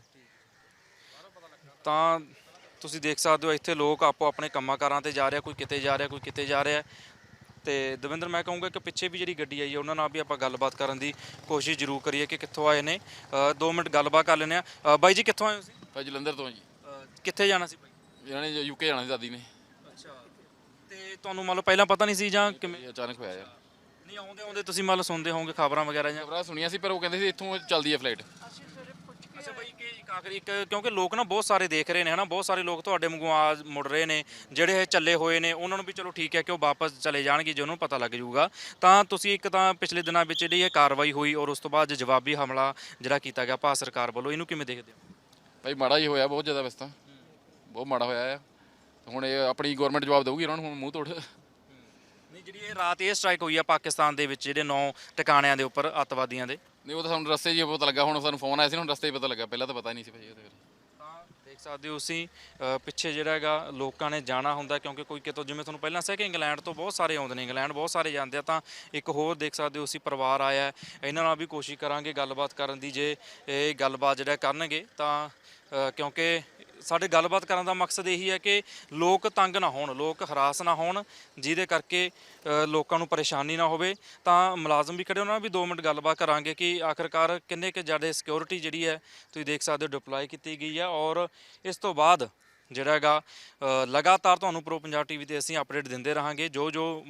ਤਾਂ ਤੁਸੀਂ ਦੇਖ ਸਕਦੇ ਹੋ ਇੱਥੇ ਲੋਕ ਆਪੋ ਆਪਣੇ ਕੰਮਾਂ ਕਾਰਾਂ ਤੇ ਜਾ ਰਿਹਾ, ਕੋਈ ਕਿਤੇ ਜਾ ਰਿਹਾ, ਕੋਈ ਕਿਤੇ ਜਾ ਰਿਹਾ। ਤੇ ਦਵਿੰਦਰ, ਮੈਂ ਕਹੂੰਗਾ ਕਿ ਪਿੱਛੇ ਵੀ ਜਿਹੜੀ ਗੱਡੀ ਆਈ ਹੈ ਉਹਨਾਂ ਨਾਲ ਵੀ ਆਪਾਂ ਗੱਲਬਾਤ ਕਰਨ ਦੀ ਕੋਸ਼ਿਸ਼ ਜ਼ਰੂਰ ਕਰੀਏ ਕਿ ਕਿੱਥੋਂ ਆਏ ਨੇ। ਅ, ਦੋ ਮਿੰਟ ਗੱਲਬਾਤ ਕਰ ਲੈਂਦੇ ਆ। ਬਾਈ ਜੀ ਕਿੱਥੋਂ ਆਏ ਹੋ ਤੁਸੀਂ? ਭਾਈ ਜਲੰਧਰ ਤੋਂ ਜੀ। ਅ, ਕਿੱਥੇ ਜਾਣਾ ਸੀ ਬਾਈ? ਇਹਨਾਂ ਨੇ ਯੂਕੇ ਜਾਣਾ ਸੀ ਦਾਦੀ ਨੇ। ਅੱਛਾ, ਤੇ ਤੁਹਾਨੂੰ ਮੰਨ ਲਓ ਪਹਿਲਾਂ ਪਤਾ ਨਹੀਂ ਸੀ ਜਾਂ ਕਿਵੇਂ? ਇਹ ਅਚਾਨਕ ਹੋਇਆ ਯਾਰ। ਨਹੀਂ, ਆਉਂਦੇ ਆਉਂਦੇ ਤੁਸੀਂ ਮੰਨ ਲਓ ਸੁਣਦੇ ਹੋਵੋਗੇ ਖਬਰਾਂ ਵਗੈਰਾ ਜਾਂ? ਖਬਰਾਂ ਸੁਣੀਆਂ ਸੀ ਪਰ ਉਹ ਕਹਿੰਦੇ ਸੀ ਇੱਥੋਂ ਚੱਲਦੀ ਹੈ ਫਲਾਈਟ। ਅੱਛਾ ਬਾਈ, ਕਿ ਇੱਕ ਆਖਰੀ ਇੱਕ, ਕਿਉਂਕਿ ਲੋਕ ਨਾ ਬਹੁਤ ਸਾਰੇ ਦੇਖ ਰਹੇ ਨੇ ਹਨਾ, ਬਹੁਤ ਸਾਰੇ ਲੋਕ ਤੁਹਾਡੇ ਵਾਂਗੂ ਆ ਮੁੜ ਰਹੇ ਨੇ, ਜਿਹੜੇ ਇਹ ਚੱਲੇ ਹੋਏ ਨੇ ਉਹਨਾਂ ਨੂੰ ਵੀ ਚਲੋ ਠੀਕ ਹੈ ਕਿ ਉਹ ਵਾਪਸ ਚਲੇ ਜਾਣਗੇ ਜੇ ਉਹਨੂੰ ਪਤਾ ਲੱਗ ਜਾਊਗਾ। ਤਾਂ ਤੁਸੀਂ ਇੱਕ ਤਾਂ ਪਿਛਲੇ ਦਿਨਾਂ ਵਿੱਚ ਜਿਹੜੀ ਇਹ ਕਾਰਵਾਈ ਹੋਈ ਔਰ ਉਸ ਤੋਂ ਬਾਅਦ ਜਵਾਬੀ ਹਮਲਾ ਜਿਹੜਾ ਕੀਤਾ ਗਿਆ ਭਾਰਤ ਸਰਕਾਰ ਵੱਲੋਂ, ਇਹਨੂੰ ਕਿਵੇਂ ਦੇਖਦੇ ਹੋ? ਭਾਈ ਮਾੜਾ ਹੀ ਹੋਇਆ, ਬਹੁਤ ਜ਼ਿਆਦਾ ਵੈਸੇ ਤਾਂ ਬਹੁਤ ਮਾੜਾ ਹੋਇਆ ਆ। ਹੁਣ ਇਹ ਆਪਣੀ ਗਵਰਨਮੈਂਟ ਜਵਾਬ ਦੇਊਗੀ ਇਹਨਾਂ ਨੂੰ ਹੁਣ ਮੂੰਹ ਤੋੜ। ਨਹੀਂ, ਜਿਹੜੀ ਇਹ ਰਾਤ ਇਹ ਸਟ੍ਰਾਈਕ ਹੋਈ ਆ ਪਾਕਿਸਤਾਨ ਦੇ ਵਿੱਚ ਜਿਹੜੇ ਨੌ ਟਿਕਾਣਿਆਂ ਦੇ ਉੱਪਰ ਅੱਤਵਾਦੀਆਂ ਦੇ, ਨਹੀਂ ਉਹ ਤਾਂ ਸਾਨੂੰ ਰਸਤੇ 'ਚ ਹੀ ਪਤਾ ਲੱਗਾ। ਹੁਣ ਸਾਨੂੰ ਫੋਨ ਆਇਆ ਸੀ, ਹੁਣ ਰਸਤੇ 'ਚ ਪਤਾ ਲੱਗਾ, ਪਹਿਲਾਂ ਤਾਂ ਪਤਾ ਹੀ ਨਹੀਂ ਸੀ ਭਾਈ ਉਹਦੇ ਬਾਰੇ। ਤਾਂ ਦੇਖ ਸਕਦੇ ਹੋ ਤੁਸੀਂ ਅ, ਪਿੱਛੇ ਜਿਹੜਾ ਹੈਗਾ ਲੋਕਾਂ ਨੇ ਜਾਣਾ ਹੁੰਦਾ, ਕਿਉਂਕਿ ਕੋਈ ਕਿਤੋਂ, ਜਿਵੇਂ ਤੁਹਾਨੂੰ ਪਹਿਲਾਂ ਦੱਸਿਆ ਕਿ ਇੰਗਲੈਂਡ ਤੋਂ ਬਹੁਤ ਸਾਰੇ ਆਉਂਦੇ ਨੇ, ਇੰਗਲੈਂਡ ਬਹੁਤ ਸਾਰੇ ਜਾਂਦੇ ਆ। ਤਾਂ ਇੱਕ ਹੋਰ ਦੇਖ ਸਕਦੇ ਹੋ ਅਸੀਂ ਪਰਿਵਾਰ ਆਇਆ, ਇਹਨਾਂ ਨਾਲ ਵੀ ਕੋਸ਼ਿਸ਼ ਕਰਾਂਗੇ ਗੱਲਬਾਤ ਕਰਨ ਦੀ, ਜੇ ਇਹ ਗੱਲਬਾਤ ਜਿਹੜਾ ਕਰਨਗੇ ਤਾਂ ਅ, ਕਿਉਂਕਿ ਸਾਡੇ ਗੱਲਬਾਤ ਕਰਨ ਦਾ ਮਕਸਦ ਇਹੀ ਹੈ ਕਿ ਲੋਕ ਤੰਗ ਨਾ ਹੋਣ, ਲੋਕ ਹਰਾਸ ਨਾ ਹੋਣ, ਜਿਹਦੇ ਕਰਕੇ ਅ, ਲੋਕਾਂ ਨੂੰ ਪਰੇਸ਼ਾਨੀ ਨਾ ਹੋਵੇ। ਤਾਂ ਮੁਲਾਜ਼ਮ ਵੀ ਖੜੇ, ਉਹਨਾਂ ਨਾਲ ਵੀ ਦੋ ਮਿੰਟ ਗੱਲਬਾਤ ਕਰਾਂਗੇ ਕਿ ਆਖਰਕਾਰ ਕਿੰਨੇ ਕੁ ਜ਼ਿਆਦਾ ਸਿਕਿਉਰਿਟੀ ਜਿਹੜੀ ਹੈ ਤੁਸੀਂ ਦੇਖ ਸਕਦੇ ਹੋ ਡਿਪਲੋਏ ਕੀਤੀ ਗਈ ਹੈ। ਔਰ ਇਸ ਤੋਂ ਬਾਅਦ ਜਿਹੜਾ ਹੈਗਾ ਅ, ਲਗਾਤਾਰ ਤੁਹਾਨੂੰ ਪ੍ਰੋ ਪੰਜਾਬ ਟੀਵੀ ਤੇ ਅਸੀਂ ਅਪਡੇਟ ਦਿੰਦੇ ਰਹਾਂਗੇ। ਜੋ ਜੋ